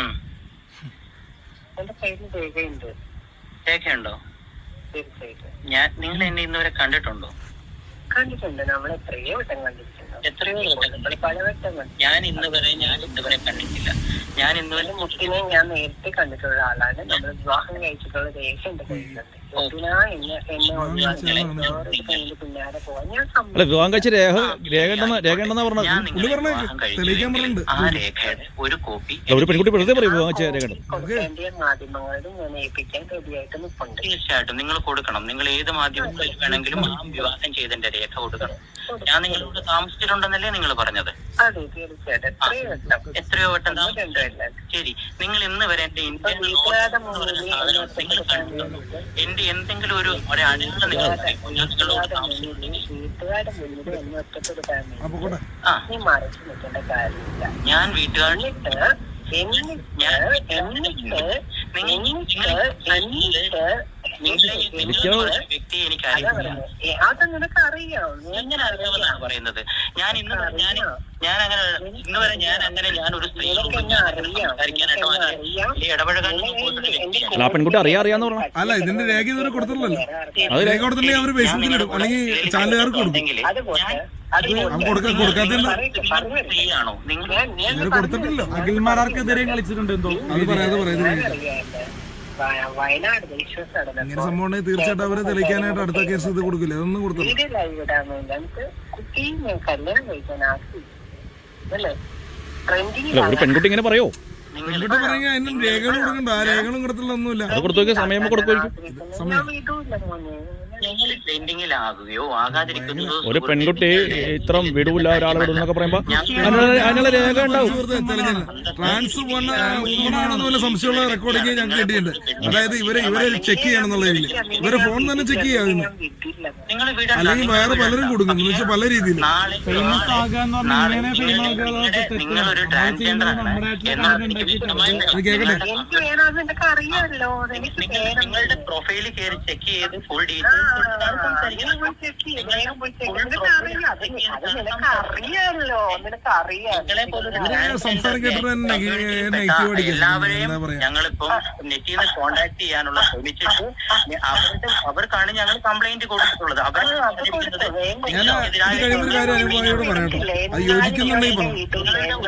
Speaker 6: എന്റെ കയ്യിൽ രേഖയുണ്ട്.
Speaker 5: രേഖയുണ്ടോ?
Speaker 6: തീർച്ചയായിട്ടും.
Speaker 5: ഞാൻ നിങ്ങൾ എന്നെ ഇന്നുവരെ കണ്ടിട്ടുണ്ടോ?
Speaker 6: കണ്ടിട്ടുണ്ട്. നമ്മൾ എത്രയോ വട്ടം കണ്ടിട്ടുണ്ട്.
Speaker 5: എത്രയോ
Speaker 6: പലവട്ടം കണ്ടു.
Speaker 5: ഞാൻ ഇന്ന് വരെ ഞാൻ ഇന്നുവരെ കണ്ടിട്ടില്ല. ഞാൻ ഇന്നുവരെ
Speaker 6: മുട്ടിനെ ഞാൻ നേരത്തെ കണ്ടിട്ടുള്ള ആളാണ്. നമ്മൾ വിവാഹം കഴിച്ചിട്ടുള്ള രേഖ എന്റെ കയ്യിലുണ്ട്. മുട്ടിനാ എന്നെ എന്നെ ഒഴിവാക്കി പിന്നാലെ പോവാൻ ഞാൻ
Speaker 1: അല്ല വിവാഹം കഴിച്ച രേഖ രേഖ രേഖ ഉണ്ടെന്നാ പറഞ്ഞത്.
Speaker 5: ആ രേഖയുടെ ഒരു കോപ്പി
Speaker 1: ഒരു പെൺകുട്ടി വെറുതെ പറയും വിവാഹം കഴിച്ച രേഖ
Speaker 6: കൊടുക്കേണ്ട മാധ്യമങ്ങളോട് ഞാൻ ഏൽപ്പിക്കാൻ റെഡിയായിട്ട് നിൽപ്പുണ്ട്.
Speaker 5: തീർച്ചയായിട്ടും നിങ്ങൾ കൊടുക്കണം. നിങ്ങൾ ഏത് മാധ്യമങ്ങളിൽ വേണമെങ്കിലും ആ വിവാഹം ചെയ്തതിന്റെ രേഖ കൊടുക്കണം. ഞാൻ നിങ്ങളോട് താമസിച്ചിട്ടുണ്ടെന്നല്ലേ നിങ്ങൾ പറഞ്ഞത്?
Speaker 6: അതെ തീർച്ചയായിട്ടും. എത്രയോ വട്ടം
Speaker 5: എത്രയോ വട്ടം ശരി. നിങ്ങൾ ഇന്ന് വരെ എന്റെ ഇന്ത്യൻ നിങ്ങൾ കണ്ടിട്ടുണ്ടോ? എന്റെ എന്തെങ്കിലും ഒരു ഒരടയാളം നിങ്ങൾ ഞാൻ നിങ്ങളോട് താമസിച്ചിട്ടുണ്ടെങ്കിൽ
Speaker 6: വീട്ടുകാരുടെ മുന്നിൽ എന്നെ ഒറ്റപ്പെടുത്താൻ
Speaker 3: അപ്പൊ
Speaker 5: ആ
Speaker 6: നീ മറിച്ച് നിൽക്കേണ്ട കാര്യമില്ല.
Speaker 5: ഞാൻ വീട്ടുകാരുടെ
Speaker 6: എന്നിട്ട്
Speaker 5: വ്യക്തിയെ എനിക്ക് അറിയാം.
Speaker 6: അത് നിനക്ക് അറിയാം.
Speaker 5: എങ്ങനെ അറിയാമെന്നാണ് പറയുന്നത്? ഞാൻ ഇന്ന് ഞാൻ ഞാൻ അങ്ങനെ ഇന്ന് വരെ ഞാൻ അങ്ങനെ ഞാൻ ഒരു സ്ത്രീയോട് സംസാരിക്കാനായിട്ടോ ഇടപഴകാനോ പോയിട്ടില്ല.
Speaker 1: ആ പെൺകുട്ടി അറിയാ അറിയാന്ന് പറഞ്ഞു.
Speaker 3: അല്ല ഇതിന്റെ രേഖ ഇതുവരെ കൊടുത്തില്ലല്ലോ. അത് രേഖ കൊടുത്തില്ലെങ്കിൽ അവർ ഫേസ്ബുക്കിൽ ഇടും അല്ലെങ്കിൽ ചാനലുകാർക്ക് കൊടുക്കും.
Speaker 5: ഫ്രീ ആണോ നിങ്ങൾ
Speaker 3: ഇവര് കൊടുത്തിട്ടില്ല.
Speaker 4: അഖിൽമാരാർക്കെതിരെ കളിച്ചിട്ടുണ്ട് എന്തോ
Speaker 3: അത് പറയാതെ പറയുന്നത്
Speaker 6: വയനാട് വിശ്വസാണ്
Speaker 3: ഇങ്ങനെ സംഭവം ഉണ്ടെങ്കിൽ തീർച്ചയായിട്ടും അവരെ തെളിയിക്കാനായിട്ട് അടുത്ത കേസ് ഇത് കൊടുക്കില്ല. അതൊന്നും കൊടുത്തില്ല.
Speaker 6: വീഡിയോ ലൈവ് ഇടാമെന്നില്ല. നമുക്ക് കുട്ടിയെ കല്യാണം കഴിക്കാൻ ആക്കില്ല അല്ലേ ട്രെൻഡിങ്
Speaker 1: അല്ല ഒരു പെൺകുട്ടി ഇങ്ങനെ പറയോ?
Speaker 3: പെൺകുട്ടി പറയുക അതിന് രേഖകൾ കൊടുക്കണ്ട. ആ രേഖകളും കൊടുത്തില്ല ഒന്നുമില്ല.
Speaker 1: അത് കൊടുത്തു നോക്കിയ സമയം കൊടുക്കുമായിരിക്കും.
Speaker 6: ഞാൻ വീട്ടില്ല മോനെ
Speaker 5: നിങ്ങൾ ട്രെൻഡിങ്ങിലാകുകയോ ആകാതിരിക്കുന്നതോ
Speaker 1: ഒരു പെൺകുട്ടി ഇത്ര വിടൂല ഒരാളെ വിടുന്നൊക്കെ പറയുമ്പോ അതിനുള്ള അതിനുള്ള രേഖ ഉണ്ടാവും.
Speaker 3: ട്രാൻസ് ഫോണാണെന്ന് പോലെ സംശയമുള്ള റെക്കോർഡിങ് ഞങ്ങൾക്ക് കിട്ടിയിട്ടുണ്ട്. അതായത് ഇവരെ ഇവരെ ചെക്ക് ചെയ്യണം എന്നുള്ള രീതിയിൽ ഇവരെ ഫോൺ തന്നെ ചെക്ക് ചെയ്യാവുന്നു.
Speaker 5: നിങ്ങൾ
Speaker 3: അല്ലെങ്കിൽ വേറെ പലരും കൊടുക്കുന്നു എന്ന് വെച്ചാൽ പല രീതിയിൽ.
Speaker 5: നാളെ
Speaker 4: ഫേമസ് ആകാന്ന്
Speaker 5: നാളെ
Speaker 4: പറഞ്ഞാൽ ഇങ്ങനെ ഫേമസ്
Speaker 5: നിങ്ങളൊരു ട്രാൻസ്ജെൻഡർ ആണ് എന്നുള്ളത് എനിക്ക് വ്യക്തമായി
Speaker 3: കേൾക്കട്ടെ.
Speaker 6: എനിക്ക് വേണമെന്ന് എനിക്ക് അറിയാമല്ലോ എനിക്ക്
Speaker 5: നിങ്ങൾ നിങ്ങളുടെ പ്രൊഫൈലിൽ കയറി ചെക്ക് ചെയ്ത് ഫുൾ ഡീറ്റെയിൽസ്
Speaker 6: അറിയാമല്ലോ നിനക്ക് അറിയാം
Speaker 3: സംസാരം കേട്ടിട്ട് തന്നെ നെഗറ്റീവ് അടിക്കുന്നത്.
Speaker 5: എല്ലാവരെയും
Speaker 3: എന്താ പറയാ,
Speaker 5: ഞങ്ങളിപ്പം നെറ്റിൽ നിന്ന് കോണ്ടാക്ട് ചെയ്യാനുള്ള ശ്രമിച്ചിട്ട് അവരുടെ അവർക്കാണ് ഞങ്ങൾ കംപ്ലൈന്റ് കൊടുത്തിട്ടുള്ളത്. അവർ
Speaker 3: ഞാൻ ഇത് കഴിയുമ്പോൾ ഒരു കാര്യം അനുഭവയോട് പറയട്ടോ. അത് യോജിക്കുന്നുണ്ടെങ്കിൽ പറഞ്ഞു.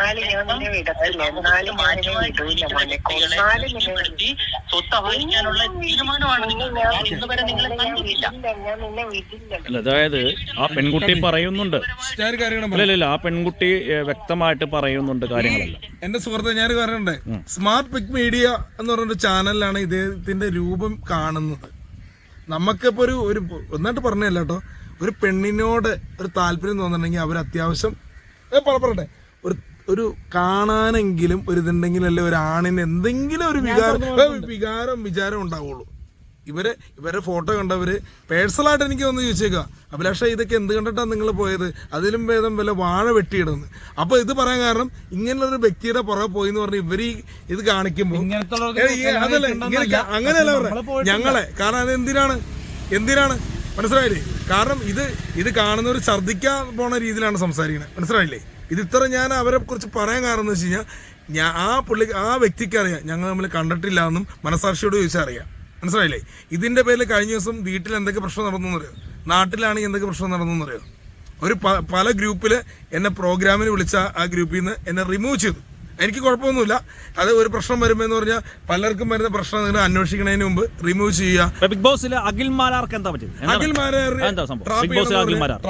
Speaker 5: സ്വത്ത് അപഹരിക്കാനുള്ള തീരുമാനമാണ് നിങ്ങൾ. ഞാൻ ഇന്നുവരെ നിങ്ങളെ കണ്ടിട്ടില്ല.
Speaker 1: അല്ല അതായത് ആ പെൺകുട്ടി പറയുന്നുണ്ട്.
Speaker 3: ഞാൻ ഒരു കാര്യം
Speaker 1: അല്ല ഇല്ല ആ പെൺകുട്ടി ഏഹ്, വ്യക്തമായിട്ട് പറയുന്നുണ്ട് കാര്യങ്ങളെല്ലാം.
Speaker 3: എന്റെ സുഹൃത്തെ ഞാൻ പറയണ്ടേ, സ്മാർട്ട് പിക് മീഡിയ എന്ന് പറഞ്ഞൊരു ചാനലിലാണ് ഇദ്ദേഹത്തിന്റെ രൂപം കാണുന്നത്. നമുക്കിപ്പോ ഒരു ഒരു ഒന്നായിട്ട് പറഞ്ഞല്ല കേട്ടോ, ഒരു പെണ്ണിനോട് ഒരു താല്പര്യം തോന്നുന്നുണ്ടെങ്കിൽ അവർ അത്യാവശ്യം ഏ, പറ- പറയട്ടെ ഒരു ഒരു കാണാനെങ്കിലും ഒരു ഇതുണ്ടെങ്കിലും അല്ലെ ഒരു ആണിന് എന്തെങ്കിലും ഒരു വികാരം ഏ, വികാരം വിചാരം ഉണ്ടാവുള്ളൂ. ഇവരെ ഇവരെ ഫോട്ടോ കണ്ടവര് പേഴ്സണലായിട്ട് എനിക്ക് ഒന്ന് ചോദിച്ചേക്കുക, അഭിലാഷ ഇതൊക്കെ എന്ത് കണ്ടിട്ടാണ് നിങ്ങൾ പോയത്, അതിലും ഭേദം വല്ല വാഴ വെട്ടിയിടുന്നത്. അപ്പൊ ഇത് പറയാൻ കാരണം ഇങ്ങനെയുള്ളൊരു വ്യക്തിയുടെ പുറകെ പോയി എന്ന് പറഞ്ഞ് ഇവര് ഈ ഇത് കാണിക്കുമ്പോൾ അതല്ലേ ഇങ്ങനെ അങ്ങനെയല്ല പറഞ്ഞത് ഞങ്ങളെ. കാരണം അത് എന്തിനാണ് എന്തിനാണ് മനസ്സിലായില്ലേ? കാരണം ഇത് ഇത് കാണുന്നവർ ഛർദ്ദിക്കാൻ പോണ രീതിയിലാണ് സംസാരിക്കുന്നത്. മനസ്സിലായില്ലേ? ഇത് ഇത്ര ഞാൻ അവരെ കുറിച്ച് പറയാൻ കാരണം എന്ന് വെച്ച് കഴിഞ്ഞാൽ ഞാൻ ആ പുള്ളി ആ വ്യക്തിക്ക് അറിയാം ഞങ്ങൾ തമ്മിൽ കണ്ടിട്ടില്ല എന്നും മനസാക്ഷിയോട് ചോദിച്ചാൽ അറിയാം. മനസ്സിലായില്ലേ? ഇതിന്റെ പേരിൽ കഴിഞ്ഞ ദിവസം വീട്ടിൽ എന്തൊക്കെ പ്രശ്നം നടന്നു എന്നറിയോ, നാട്ടിലാണെങ്കിൽ എന്തൊക്കെ പ്രശ്നം നടന്നു എന്നറിയോ. ഒരു പല ഗ്രൂപ്പില് എന്നെ പ്രോഗ്രാമിന് വിളിച്ച ആ ഗ്രൂപ്പിൽ നിന്ന് എന്നെ റിമൂവ് ചെയ്തു. എനിക്ക് കുഴപ്പമൊന്നുമില്ല. അത് ഒരു പ്രശ്നം വരുമെന്ന് പറഞ്ഞാൽ പലർക്കും വരുന്ന പ്രശ്നം നിങ്ങൾ അന്വേഷിക്കുന്നതിന് മുമ്പ് റിമൂവ് ചെയ്യുക.
Speaker 1: ബിഗ് ബോസിൽ അഖിൽ മാരാർക്ക് എന്താ പറ്റും?
Speaker 3: അഖിൽ മാരാർ
Speaker 1: എന്താ സംഭവം? ബിഗ് ബോസിൽ അഖിൽ മാരാർ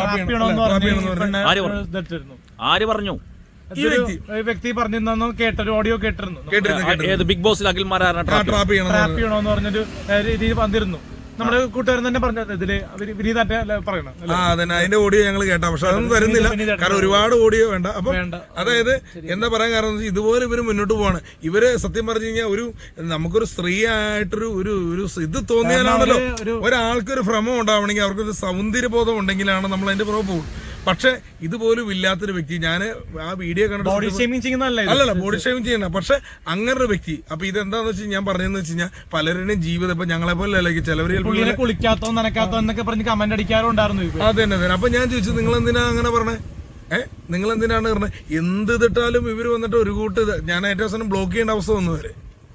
Speaker 1: ആര് പറഞ്ഞു? ആര് പറഞ്ഞു?
Speaker 3: ഈ വ്യക്തി
Speaker 4: വ്യക്തി പറഞ്ഞിരുന്നു കേട്ടൊരു ഓഡിയോ കേട്ടിരുന്നു.
Speaker 3: കേട്ടിരുന്നു
Speaker 1: ഏത് ബിഗ് ബോസിൽ അഖിൽ മാരാറിനെ ട്രാപ്പ്
Speaker 3: ട്രാപ്പ് ചെയ്യണം
Speaker 4: ട്രാപ്പ് ചെയ്യണോന്ന് പറഞ്ഞൊരു രീതിയിൽ വന്നിരുന്നു. നമ്മുടെ കൂട്ടുകാരൻ തന്നെ പറഞ്ഞത് ഇതില് വിനീതാറ്റ പറയണം.
Speaker 3: ആ അതന്നെ അതിന്റെ ഓഡിയോ ഞങ്ങൾ കേട്ടാ, പക്ഷെ അതൊന്നും തരുന്നില്ല. കാരണം ഒരുപാട് ഓഡിയോ വേണ്ട. അപ്പൊ അതായത് എന്താ പറയാൻ കാരണം ഇതുപോലെ ഇവര് മുന്നോട്ട് പോവാണ്. ഇവര് സത്യം പറഞ്ഞു കഴിഞ്ഞാൽ ഒരു നമുക്കൊരു സ്ത്രീ ആയിട്ടൊരു ഒരു ഒരു ഇത് തോന്നിയാലാണല്ലോ ഒരാൾക്കൊരു ഭ്രമം ഉണ്ടാവണമെങ്കിൽ അവർക്കൊരു സൗന്ദര്യബോധം ഉണ്ടെങ്കിലാണ് നമ്മൾ അതിന്റെ പുറകെ പോകും. പക്ഷെ ഇതുപോലും ഇല്ലാത്തൊരു വ്യക്തി ഞാൻ ആ വീഡിയോ കണ്ടിട്ട്
Speaker 4: ബോഡി ഷേമിങ് ചെയ്യുന്നതല്ല,
Speaker 3: അല്ലല്ല ബോഡി ഷേമിങ് ചെയ്യണ്ട. പക്ഷെ അങ്ങനെ ഒരു വ്യക്തി അപ്പൊ ഇതെന്താന്ന് വെച്ചാൽ ഞാൻ പറഞ്ഞതെന്ന് വെച്ച് കഴിഞ്ഞാൽ പലരുടെയും ജീവിതം ഇപ്പൊ ഞങ്ങളെ പോലെ അല്ലെങ്കിൽ ചിലവര്
Speaker 4: കുളിക്കാത്തോ നനക്കാത്തോ എന്നൊക്കെ പറഞ്ഞ് കമന്റ് അടിക്കാറുണ്ടായിരുന്നു.
Speaker 3: അത് തന്നെ തന്നെ. അപ്പൊ ഞാൻ ചോദിച്ചു നിങ്ങൾ എന്തിനാ അങ്ങനെ പറഞ്ഞേ? ഏഹ് നിങ്ങൾ എന്തിനാണ് പറഞ്ഞത്? എന്ത് ഇതിട്ടാലും ഇവര് വന്നിട്ട് ഒരു കൂട്ട് ഞാൻ ഏറ്റവും അവസാനം ബ്ലോക്ക് ചെയ്യേണ്ട അവസ്ഥ വന്നു വരെ.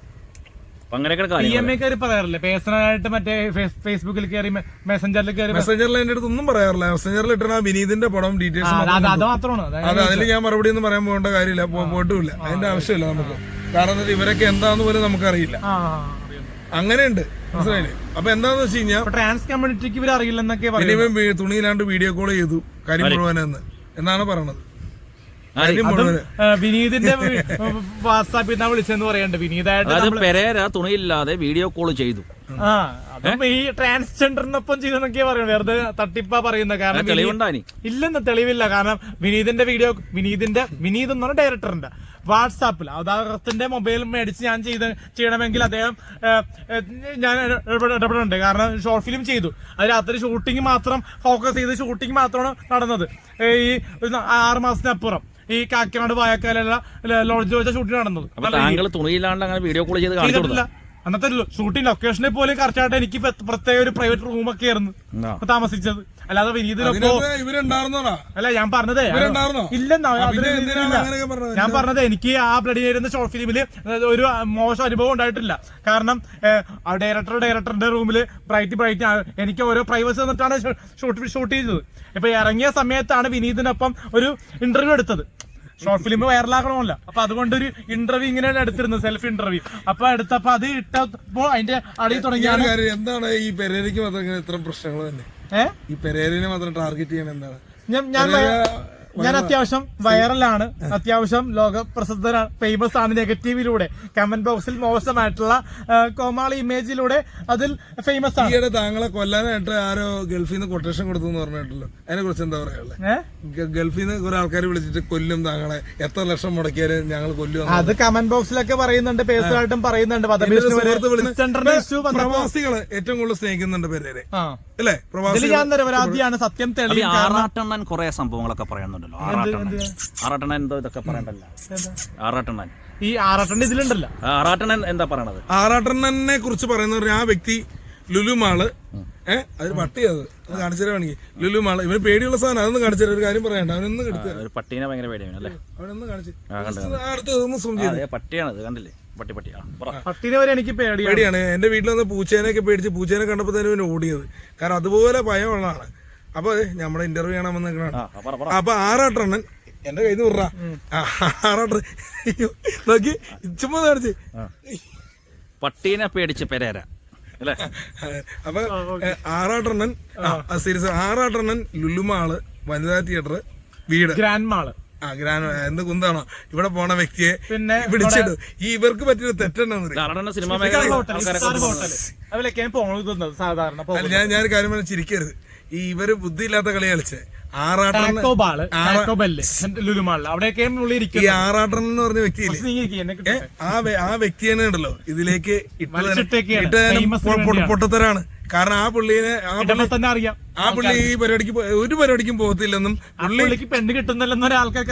Speaker 4: പി എം എ കയറി പറയാറില്ലേ പേഴ്സണലായിട്ട് മറ്റേ ഫേസ്ബുക്കിൽ കയറി മെസ്സഞ്ചറിൽ കയറി
Speaker 3: മെസ്സഞ്ചറിൽ എന്റെ അടുത്ത് ഒന്നും പറയാറില്ല. മെസ്സഞ്ചറിൽ ഇട്ടണ വിനീതിന്റെ പടം ഡീറ്റെയിൽസ്
Speaker 4: അത് മാത്രമാണ്.
Speaker 3: അതെ അതിൽ ഞാൻ മറുപടി ഒന്നും പറയാൻ പോകേണ്ട കാര്യമില്ല, പോയിട്ടുമില്ല. അതിന്റെ ആവശ്യമില്ല നമുക്ക്. കാരണം ഇവരൊക്കെ എന്താന്ന് പോലും നമുക്കറിയില്ല. അങ്ങനെയുണ്ട് മനസ്സിലായില്ലേ? അപ്പൊ എന്താന്ന് വെച്ച് കഴിഞ്ഞാൽ
Speaker 4: ട്രാൻസ് കമ്മ്യൂണിറ്റിക്ക് ഇവർ അറിയില്ലെന്നൊക്കെ
Speaker 3: ഇനിയും തുണിയിലാണ്ട് വീഡിയോ കോൾ ചെയ്തു കാര്യം മുഴുവനെന്ന് എന്നാണ് പറയണത്.
Speaker 4: വിനീതിന്റെ വാട്സാപ്പിൽ നിന്നാ വിളിച്ചെന്ന് പറയണ്ട. വിനീതായിട്ട്
Speaker 1: പെരേര തുണിയില്ലാതെ വീഡിയോ കോൾ ചെയ്തു.
Speaker 4: ആ അതും ഈ ട്രാൻസ്ജെൻഡറിനൊപ്പം ചെയ്തെന്നൊക്കെയാ പറയുന്നത്. വെറുതെ തട്ടിപ്പാ പറയുന്നത്. കാരണം
Speaker 1: തെളിവുണ്ടായി
Speaker 4: ഇല്ലെന്ന് തെളിവില്ല. കാരണം വിനീതിന്റെ വീഡിയോ വിനീതിന്റെ വിനീത് എന്ന് പറഞ്ഞ ഡയറക്ടറിന്റെ വാട്സാപ്പിൽ അദ്ദേഹത്തിന്റെ മൊബൈൽ മേടിച്ച് ഞാൻ ചെയ്ത് ചെയ്യണമെങ്കിൽ അദ്ദേഹം ഞാൻ ഇടപെടുന്നുണ്ട്. കാരണം ഷോർട്ട് ഫിലിം ചെയ്തു, അത് രാത്രി ഷൂട്ടിംഗ് മാത്രം ഫോക്കസ് ചെയ്ത് ഷൂട്ടിംഗ് മാത്രമാണ് നടന്നത്. ഈ ആറ് മാസത്തിനപ്പുറം ഈ കാക്കനാട് വായക്കാല ലോഡ്ജ് വെച്ച ഷൂട്ടിംഗ് നടന്നത്.
Speaker 1: താങ്കൾ തുണിയില്ലാണ്ട് അങ്ങനെ വീഡിയോ കോൾ ചെയ്ത് കാണിച്ചിട്ടില്ല.
Speaker 4: അന്നത്തെ ഷൂട്ടിംഗ് ലൊക്കേഷനിൽ പോലും കറക്റ്റായിട്ട് എനിക്ക് പ്രത്യേക ഒരു പ്രൈവറ്റ് റൂമൊക്കെ ആയിരുന്നു താമസിച്ചത്. അല്ലാതെ വിനീതിനൊക്കെ
Speaker 3: ഇവരുണ്ടായിരുന്നോടാ?
Speaker 4: അല്ല ഞാൻ പറഞ്ഞതേ ഇല്ലെന്നാ ഞാൻ പറഞ്ഞത്. എനിക്ക് ആ ബ്ലഡി നേരുന്ന ഷോർട്ട് ഫിലിമില് ഒരു മോശം അനുഭവം ഉണ്ടായിട്ടില്ല. കാരണം ഡയറക്ടർ ഡയറക്ടറിന്റെ റൂമില് ബ്രൈറ്റ് ബ്രൈറ്റ് എനിക്ക് ഓരോ പ്രൈവസി തന്നിട്ടാണ് ഷൂട്ട് ഷൂട്ട് ചെയ്തത്. ഇപ്പൊ ഇറങ്ങിയ സമയത്താണ് വിനീതിനൊപ്പം ഒരു ഇന്റർവ്യൂ എടുത്തത്. ഷോർട്ട് ഫിലിം വൈറലാക്കണമല്ലോ, അപ്പൊ അതുകൊണ്ട് ഒരു ഇന്റർവ്യൂ ഇങ്ങനെ എടുത്തിരുന്നു, സെൽഫ് ഇന്റർവ്യൂ. അപ്പൊ എടുത്തപ്പോ അത് ഇട്ടപ്പോ അതിന്റെ അടിയിൽ തുടങ്ങിയാണ്.
Speaker 3: എന്താണ് ഈ പെരേരയ്ക്ക് മാത്രം ഇത്ര പ്രശ്നങ്ങൾ തന്നെ?
Speaker 4: ഏഹ്
Speaker 3: ഈ പെരേരനെ മാത്രം ടാർഗറ്റ് ചെയ്യാൻ എന്താണ്?
Speaker 4: ഞാൻ ഞാൻ അത്യാവശ്യം വൈറലാണ്, അത്യാവശ്യം ലോക പ്രസിദ്ധനാണ്, ഫേമസ് ആണ്. നെഗറ്റീവിലൂടെ കമന്റ് ബോക്സിൽ മോശമായിട്ടുള്ള കോമാളി ഇമേജിലൂടെ അതിൽ ഫേമസ് ആണ്.
Speaker 3: ഈയിടെ താങ്കളെ കൊല്ലാനായിട്ട് ആരോ ഗൾഫിൽ നിന്ന് കൊട്ടേഷൻ കൊടുത്തു എന്ന് പറഞ്ഞിട്ടുള്ളൂ. അതിനെ കുറിച്ച് എന്താ പറയാ? ഗൾഫിൽ നിന്ന് കുറെ ആൾക്കാർ വിളിച്ചിട്ട് കൊല്ലും താങ്കളെ, എത്ര ലക്ഷം മുടക്കിയാലും ഞങ്ങൾ കൊല്ലും.
Speaker 4: അത് കമന്റ് ബോക്സിലൊക്കെ പറയുന്നുണ്ട്, പേഴ്സണലായിട്ടും പറയുന്നുണ്ട്.
Speaker 3: പ്രവാസികള് ഏറ്റവും കൂടുതൽ സ്നേഹിക്കുന്നുണ്ട് പെരേരെ അല്ലേ? പ്രവാസികൾ
Speaker 4: ഞാൻ നിരപരാധിയാണ്, സത്യം തെളിയും.
Speaker 1: ആറാട്ടണ്ണൻ കുറെ സംഭവങ്ങളൊക്കെ പറയുന്നുണ്ടല്ലോ. ആറാട്ടണ്ണൻ ആറാട്ടണ്ണൻ എന്തോ ഇതൊക്കെ പറയണ്ടല്ലോ. ആറാട്ടണ്ണൻ
Speaker 4: ഈ ആറാട്ടണ്ണൻ ഇതിലുണ്ടല്ലോ.
Speaker 1: ആറാട്ടണ്ണൻ എന്താ പറയണത്?
Speaker 3: ആറാട്ടണ്ണനെ കുറിച്ച് പറയുന്ന ആ വ്യക്തി ലുലുമാള്, ഏഹ് അതിന് പട്ടിയത് അത് കാണിച്ചു തരാണെങ്കിൽ ലുലുമാള്, ഇവന് പേടിയുള്ള സാധനം. അതൊന്നും കാണിച്ചു തരാം, ഒരു കാര്യം പറയണ്ട. അവനൊന്ന് എടുത്ത്
Speaker 1: പട്ടീനെ ഭയങ്കര പേടിയാണ് അല്ലേ?
Speaker 3: അവനൊന്ന് കാണിച്ചു അടുത്തൊന്ന് സൂം ചെയ്ത്.
Speaker 1: പട്ടിയാണത് കണ്ടില്ലേ? പട്ടി പട്ടിയാ
Speaker 4: പട്ടീനെ വരെ എനിക്ക്
Speaker 3: പേടിയാണ്. എന്റെ വീട്ടിൽ വന്ന് പൂച്ചേനെയൊക്കെ പേടിച്ച് പൂച്ചേനെ കണ്ടപ്പോ തന്നെ ഇവന് ഓടിയത്. കാരണം അതുപോലെ ഭയമുള്ളതാണ്. അപ്പൊ നമ്മുടെ ഇന്റർവ്യൂ കാണാൻ വന്ന് നിൽക്കണ. അപ്പൊ ആറാട്ടണ്ണൻ എന്റെ കയ്യിൽ നിന്ന് വിടറാ. ആറാട്ട നോക്കി ചുമ്മാ കാണിച്ച്
Speaker 1: പട്ടീനെ പേടിച്ച് പെരേര അല്ലേ?
Speaker 3: അപ്പൊ ആറാട്ടണ്ണൻ സീരിയസ് ആറാട്ടണ്ണൻ ലുലുമാള്, വനിതാ തിയേറ്റർ, വീട്,
Speaker 4: ഗ്രാൻഡ് മാള്,
Speaker 3: ആ ഗ്രാൻഡ് എന്ത് കുന്താണോ ഇവിടെ പോണ വ്യക്തിയെ പിന്നെ പിടിച്ചിട്ടു. ഈ ഇവർക്ക് പറ്റിയൊരു തെറ്റുണ്ടെന്ന്
Speaker 1: സിനിമ
Speaker 4: സാധാരണ
Speaker 3: ഞാൻ ഞാൻ കാര്യം പറഞ്ഞ ചിരിക്കരുത്. ഈ ഇവര് ബുദ്ധിയില്ലാത്ത കളി കളിച്ച് ആറാട്ടൻ ഈ ആറാട്ടൻ എന്ന് പറഞ്ഞ വ്യക്തിയില്ലേ, ആ വ്യക്തിയെ ഉണ്ടല്ലോ ഇതിലേക്ക് പൊട്ടത്തരാണ്. കാരണം ആ പുള്ളിനെ
Speaker 4: തന്നെ അറിയാം,
Speaker 3: ആ പുള്ളി ഈ പരിപാടിക്ക് ഒരു പരിപാടിക്കും പോകത്തില്ലെന്നും
Speaker 4: പുള്ളിക്ക് പെണ്ണ് കിട്ടുന്നില്ലെന്ന് ഒരാൾക്കൊക്കെ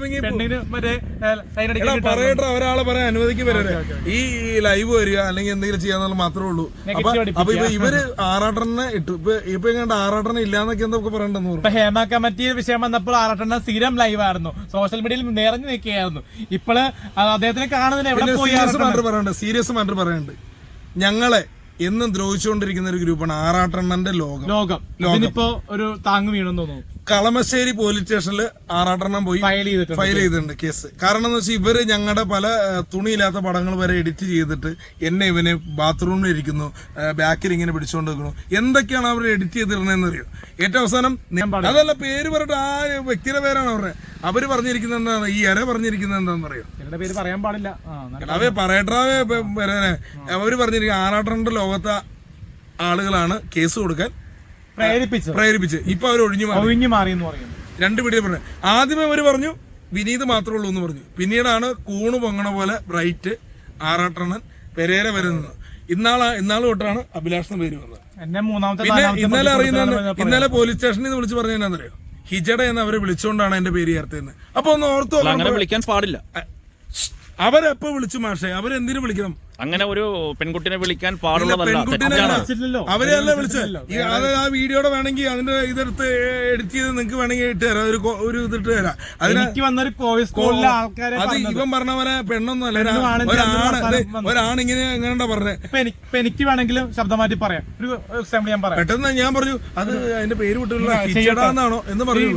Speaker 3: പറയട്ടെ. ഒരാളെ പറയാൻ അനുവദിക്കും വരെ ഈ ലൈവ് വരിക അല്ലെങ്കിൽ എന്തെങ്കിലും ചെയ്യാന്നുള്ള മാത്രമേ ഉള്ളൂ. അപ്പൊ അപ്പൊ ഇപ്പൊ ഇവര് ആറാട്ടനെ ഇട്ടു. ഇപ്പൊ ഇപ്പൊ എങ്ങാണ്ട് ആറാട്ടനെ ഇല്ലാന്നൊക്കെ എന്തൊക്കെ പറയണ്ടെന്ന് പറഞ്ഞു.
Speaker 4: ഹേമ കമ്മിറ്റി വിഷയം വന്നപ്പോൾ ആറാട്ടണ്ണ സ്ഥിരം ലൈവ് ആയിരുന്നു, സോഷ്യൽ മീഡിയയിൽ നിറഞ്ഞു നിൽക്കുകയായിരുന്നു. ഇപ്പോള് അദ്ദേഹത്തിനെ കാണുന്നതിന് എവിടെ പോയി
Speaker 3: പറയണ്ട്, സീരിയസ് മാറ്റർ പറയണ്ട്. ഞങ്ങളെ എന്നും ദ്രോഹിച്ചുകൊണ്ടിരിക്കുന്ന ഒരു ഗ്രൂപ്പാണ് ആറാട്ടണ്ണന്റെ ലോകം.
Speaker 4: ലോകം ലോകം ഒരു താങ്ങ് വീണെന്ന് തോന്നുന്നു.
Speaker 3: കളമശ്ശേരി പോലീസ് സ്റ്റേഷനിൽ ആറാട്ടെണ്ണം പോയി ഫയൽ ചെയ്തിട്ടുണ്ട് കേസ്. കാരണം എന്ന് വെച്ചാൽ ഇവര് ഞങ്ങളുടെ പല തുണിയില്ലാത്ത പടങ്ങൾ വരെ എഡിറ്റ് ചെയ്തിട്ട് എന്നെ ഇവന് ബാത്റൂമിൽ ഇരിക്കുന്നു, ബാക്കിൽ ഇങ്ങനെ പിടിച്ചുകൊണ്ട് വെക്കുന്നു, എന്തൊക്കെയാണ് അവർ എഡിറ്റ് ചെയ്തിരുന്നതെന്ന് അറിയോ? ഏറ്റവും അവസാനം അതല്ല പേര് പറഞ്ഞിട്ട് ആ വ്യക്തിയുടെ പേരാണ് അവരുടെ. അവര് പറഞ്ഞിരിക്കുന്നത് എന്താണ്, ഈ ഇര പറഞ്ഞിരിക്കുന്നത് എന്താണെന്ന് അറിയോ?
Speaker 4: പേര് പറയാൻ പാടില്ല.
Speaker 3: അവേ പറയട്ടാവേ അവര് പറഞ്ഞിരിക്കുന്നത് ആറാട്ടന്റെ ലോകത്തെ ആളുകളാണ് കേസ് കൊടുക്കാൻ
Speaker 4: പ്രേരിപ്പിച്ചു
Speaker 3: പ്രേരിപ്പിച്ച് ഇപ്പൊ അവർ ഒഴിഞ്ഞു
Speaker 4: ഒഴിഞ്ഞു മാറി എന്ന് പറയുന്നു.
Speaker 3: രണ്ട് വീഡിയോ പറഞ്ഞു. ആദ്യമേ അവര് പറഞ്ഞു വിനീത് മാത്രമേ ഉള്ളൂ എന്ന് പറഞ്ഞു. പിന്നീടാണ് കൂണ് പൊങ്ങണ പോലെ ബ്രൈറ്റ്, ആറാട്ടണ്ണൻ, പെരേര വരുന്നത്. ഇന്നാളാ ഇന്നാൾ തൊട്ടാണ് അഭിലാഷ് പേര് വന്നത്. പിന്നെ ഇന്നലെ അറിയുന്ന ഇന്നലെ പോലീസ് സ്റ്റേഷനിൽ നിന്ന് വിളിച്ച് പറഞ്ഞ എന്നാന്നറിയോ? ഹിജഡ എന്ന് അവരെ വിളിച്ചുകൊണ്ടാണ് എന്റെ പേര് ചേർത്തതെന്ന്. അപ്പൊ ഒന്ന് ഓർത്തോ,
Speaker 1: അങ്ങനെ വിളിക്കാൻ പാടില്ല.
Speaker 3: അവരെപ്പോ വിളിച്ചു മാഷെ, അവരെന്തിനു വിളിക്കണം?
Speaker 1: അങ്ങനെ ഒരു പെൺകുട്ടിനെ വിളിക്കാൻ പാടുള്ളതല്ല.
Speaker 3: അവരെയല്ല വിളിച്ചത്. അത് ആ വീഡിയോടെ വേണമെങ്കിൽ അതിന്റെ ഇതെടുത്ത് എഡിറ്റ് ചെയ്ത് നിങ്ങൾക്ക് വേണമെങ്കിൽ ഇട്ട് തരാം, ഒരു ഒരു ഇതിട്ട് തരാം. അതിന് അത് ഇവൻ പറഞ്ഞ പോലെ പെണ്ണൊന്നും അല്ല, ഒരാണ് ഒരാണിങ്ങനെ എങ്ങനെയാ പറഞ്ഞത്.
Speaker 4: എനിക്ക് വേണമെങ്കിലും ശബ്ദം മാറ്റി പറയാം. ഒരു എക്സാമ്പിൾ ഞാൻ പറയാം.
Speaker 3: പെട്ടെന്ന് ഞാൻ പറഞ്ഞു അത് അതിന്റെ പേര് വിട്ടുള്ളതാണോ എന്ന് പറഞ്ഞു.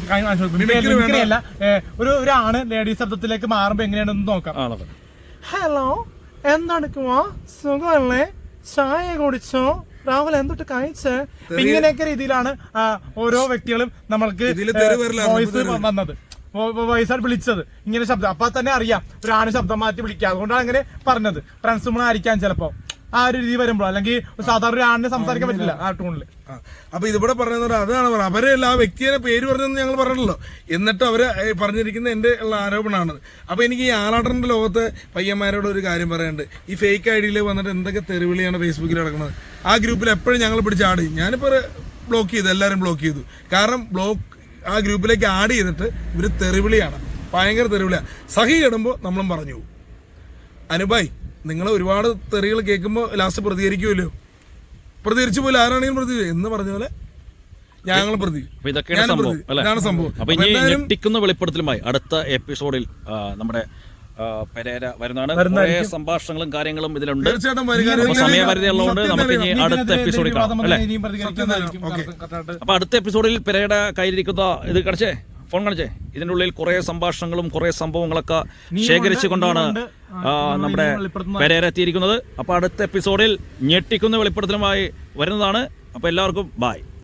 Speaker 4: അല്ല, ഒരു ഒരാണ് ലേഡീസ് ശബ്ദത്തിലേക്ക് മാറുമ്പോ എങ്ങനെയാണെന്ന് നോക്കാം. ഹലോ, എന്തെടുക്കുമോ, സുഖമല്ലേ, ചായ കുടിച്ചോ, രാവിലെ എന്തൊട്ട് കഴിച്ച്, ഇങ്ങനെയൊക്കെ രീതിയിലാണ് ഓരോ വ്യക്തികളും നമ്മൾക്ക് വോയിസ് വന്നത്, വോയിസാണ് വിളിച്ചത്. ഇങ്ങനെ ശബ്ദം അപ്പൊ തന്നെ അറിയാം ഒരാണ് ശബ്ദം മാറ്റി വിളിക്കുക. അതുകൊണ്ടാണ് അങ്ങനെ പറഞ്ഞത്. ട്രാൻസ്ഫോമർ ആയിരിക്കാം ചിലപ്പോ ആ ഒരു രീതി വരുമ്പോൾ, അല്ലെങ്കിൽ സാധാരണ ഒരു ആണിനെ സംസാരിക്കാൻ പറ്റില്ല ആ ടൂണില്.
Speaker 3: അപ്പൊ ഇതിവിടെ പറയുന്നത് അതാണ് പറഞ്ഞത്. അവരെയല്ല ആ വ്യക്തിയെ പേര് പറഞ്ഞെന്ന് ഞങ്ങൾ പറഞ്ഞല്ലോ. എന്നിട്ട് അവര് പറഞ്ഞിരിക്കുന്ന എന്റെ ഉള്ള ആരോപണമാണത്. അപ്പൊ എനിക്ക് ഈ ആറാട്ടന്റെ ലോകത്തെ പയ്യന്മാരോട് ഒരു കാര്യം പറയാനുണ്ട്. ഈ ഫേക്ക് ഐ ഡിയിൽ വന്നിട്ട് എന്തൊക്കെ തെരുവിളിയാണ് ഫേസ്ബുക്കിൽ നടക്കുന്നത്. ആ ഗ്രൂപ്പിൽ എപ്പോഴും ഞങ്ങൾ പിടിച്ച് ആഡ് ചെയ്യും. ഞാനിപ്പോ ബ്ലോക്ക് ചെയ്തു, എല്ലാവരും ബ്ലോക്ക് ചെയ്തു. കാരണം ബ്ലോക്ക് ആ ഗ്രൂപ്പിലേക്ക് ആഡ് ചെയ്തിട്ട് ഇവര് തെരുവിളിയാണ്, ഭയങ്കര തെരുവിളിയാണ്. സഹി കിടുമ്പോൾ നമ്മളും പറഞ്ഞു പോകും. അനുബായ് നിങ്ങൾ ഒരുപാട് തെറികൾ കേൾക്കുമ്പോൾ ലാസ്റ്റ് പ്രതികരിക്കുമല്ലോ, പ്രതികരിച്ചു പോലും ആരാണെങ്കിലും പ്രതി എന്ന് പറഞ്ഞ പോലെ ഞങ്ങൾ പ്രതി.
Speaker 1: അപ്പൊ ഇതൊക്കെയാണ് സംഭവം അല്ലെ?
Speaker 3: ഇതാണ് സംഭവം.
Speaker 1: അപ്പൊ ഇനി ഞെട്ടിക്കുന്ന വെളിപ്പെടുത്തലുമായി അടുത്ത എപ്പിസോഡിൽ നമ്മുടെ പെരേര വരുന്നതാണ്. കുറേ സംഭാഷണങ്ങളും കാര്യങ്ങളും ഇതിലുണ്ട്.
Speaker 3: തീർച്ചയായിട്ടും
Speaker 1: അപ്പൊ സമയപരിധി ഉള്ളതുകൊണ്ട് നമുക്ക് ഇനി അടുത്ത എപ്പിസോഡിൽ കാണാം അല്ലെ? അപ്പൊ അടുത്ത എപ്പിസോഡിൽ പെരേര കയ്യിലിരിക്കുന്ന ഇത് കാണിച്ചേ, ഫോൺ കാണിച്ചേ, ഇതിൻ്റെ ഉള്ളിൽ കുറേ സംഭാഷണങ്ങളും കുറേ സംഭവങ്ങളൊക്കെ ശേഖരിച്ചുകൊണ്ടാണ് നമ്മുടെ പെരേര എത്തിയിരിക്കുന്നത്. അപ്പൊ അടുത്ത എപ്പിസോഡിൽ ഞെട്ടിക്കുന്ന വെളിപ്പെടുത്തലുമായി വരുന്നതാണ്. അപ്പൊ എല്ലാവർക്കും ബായ്.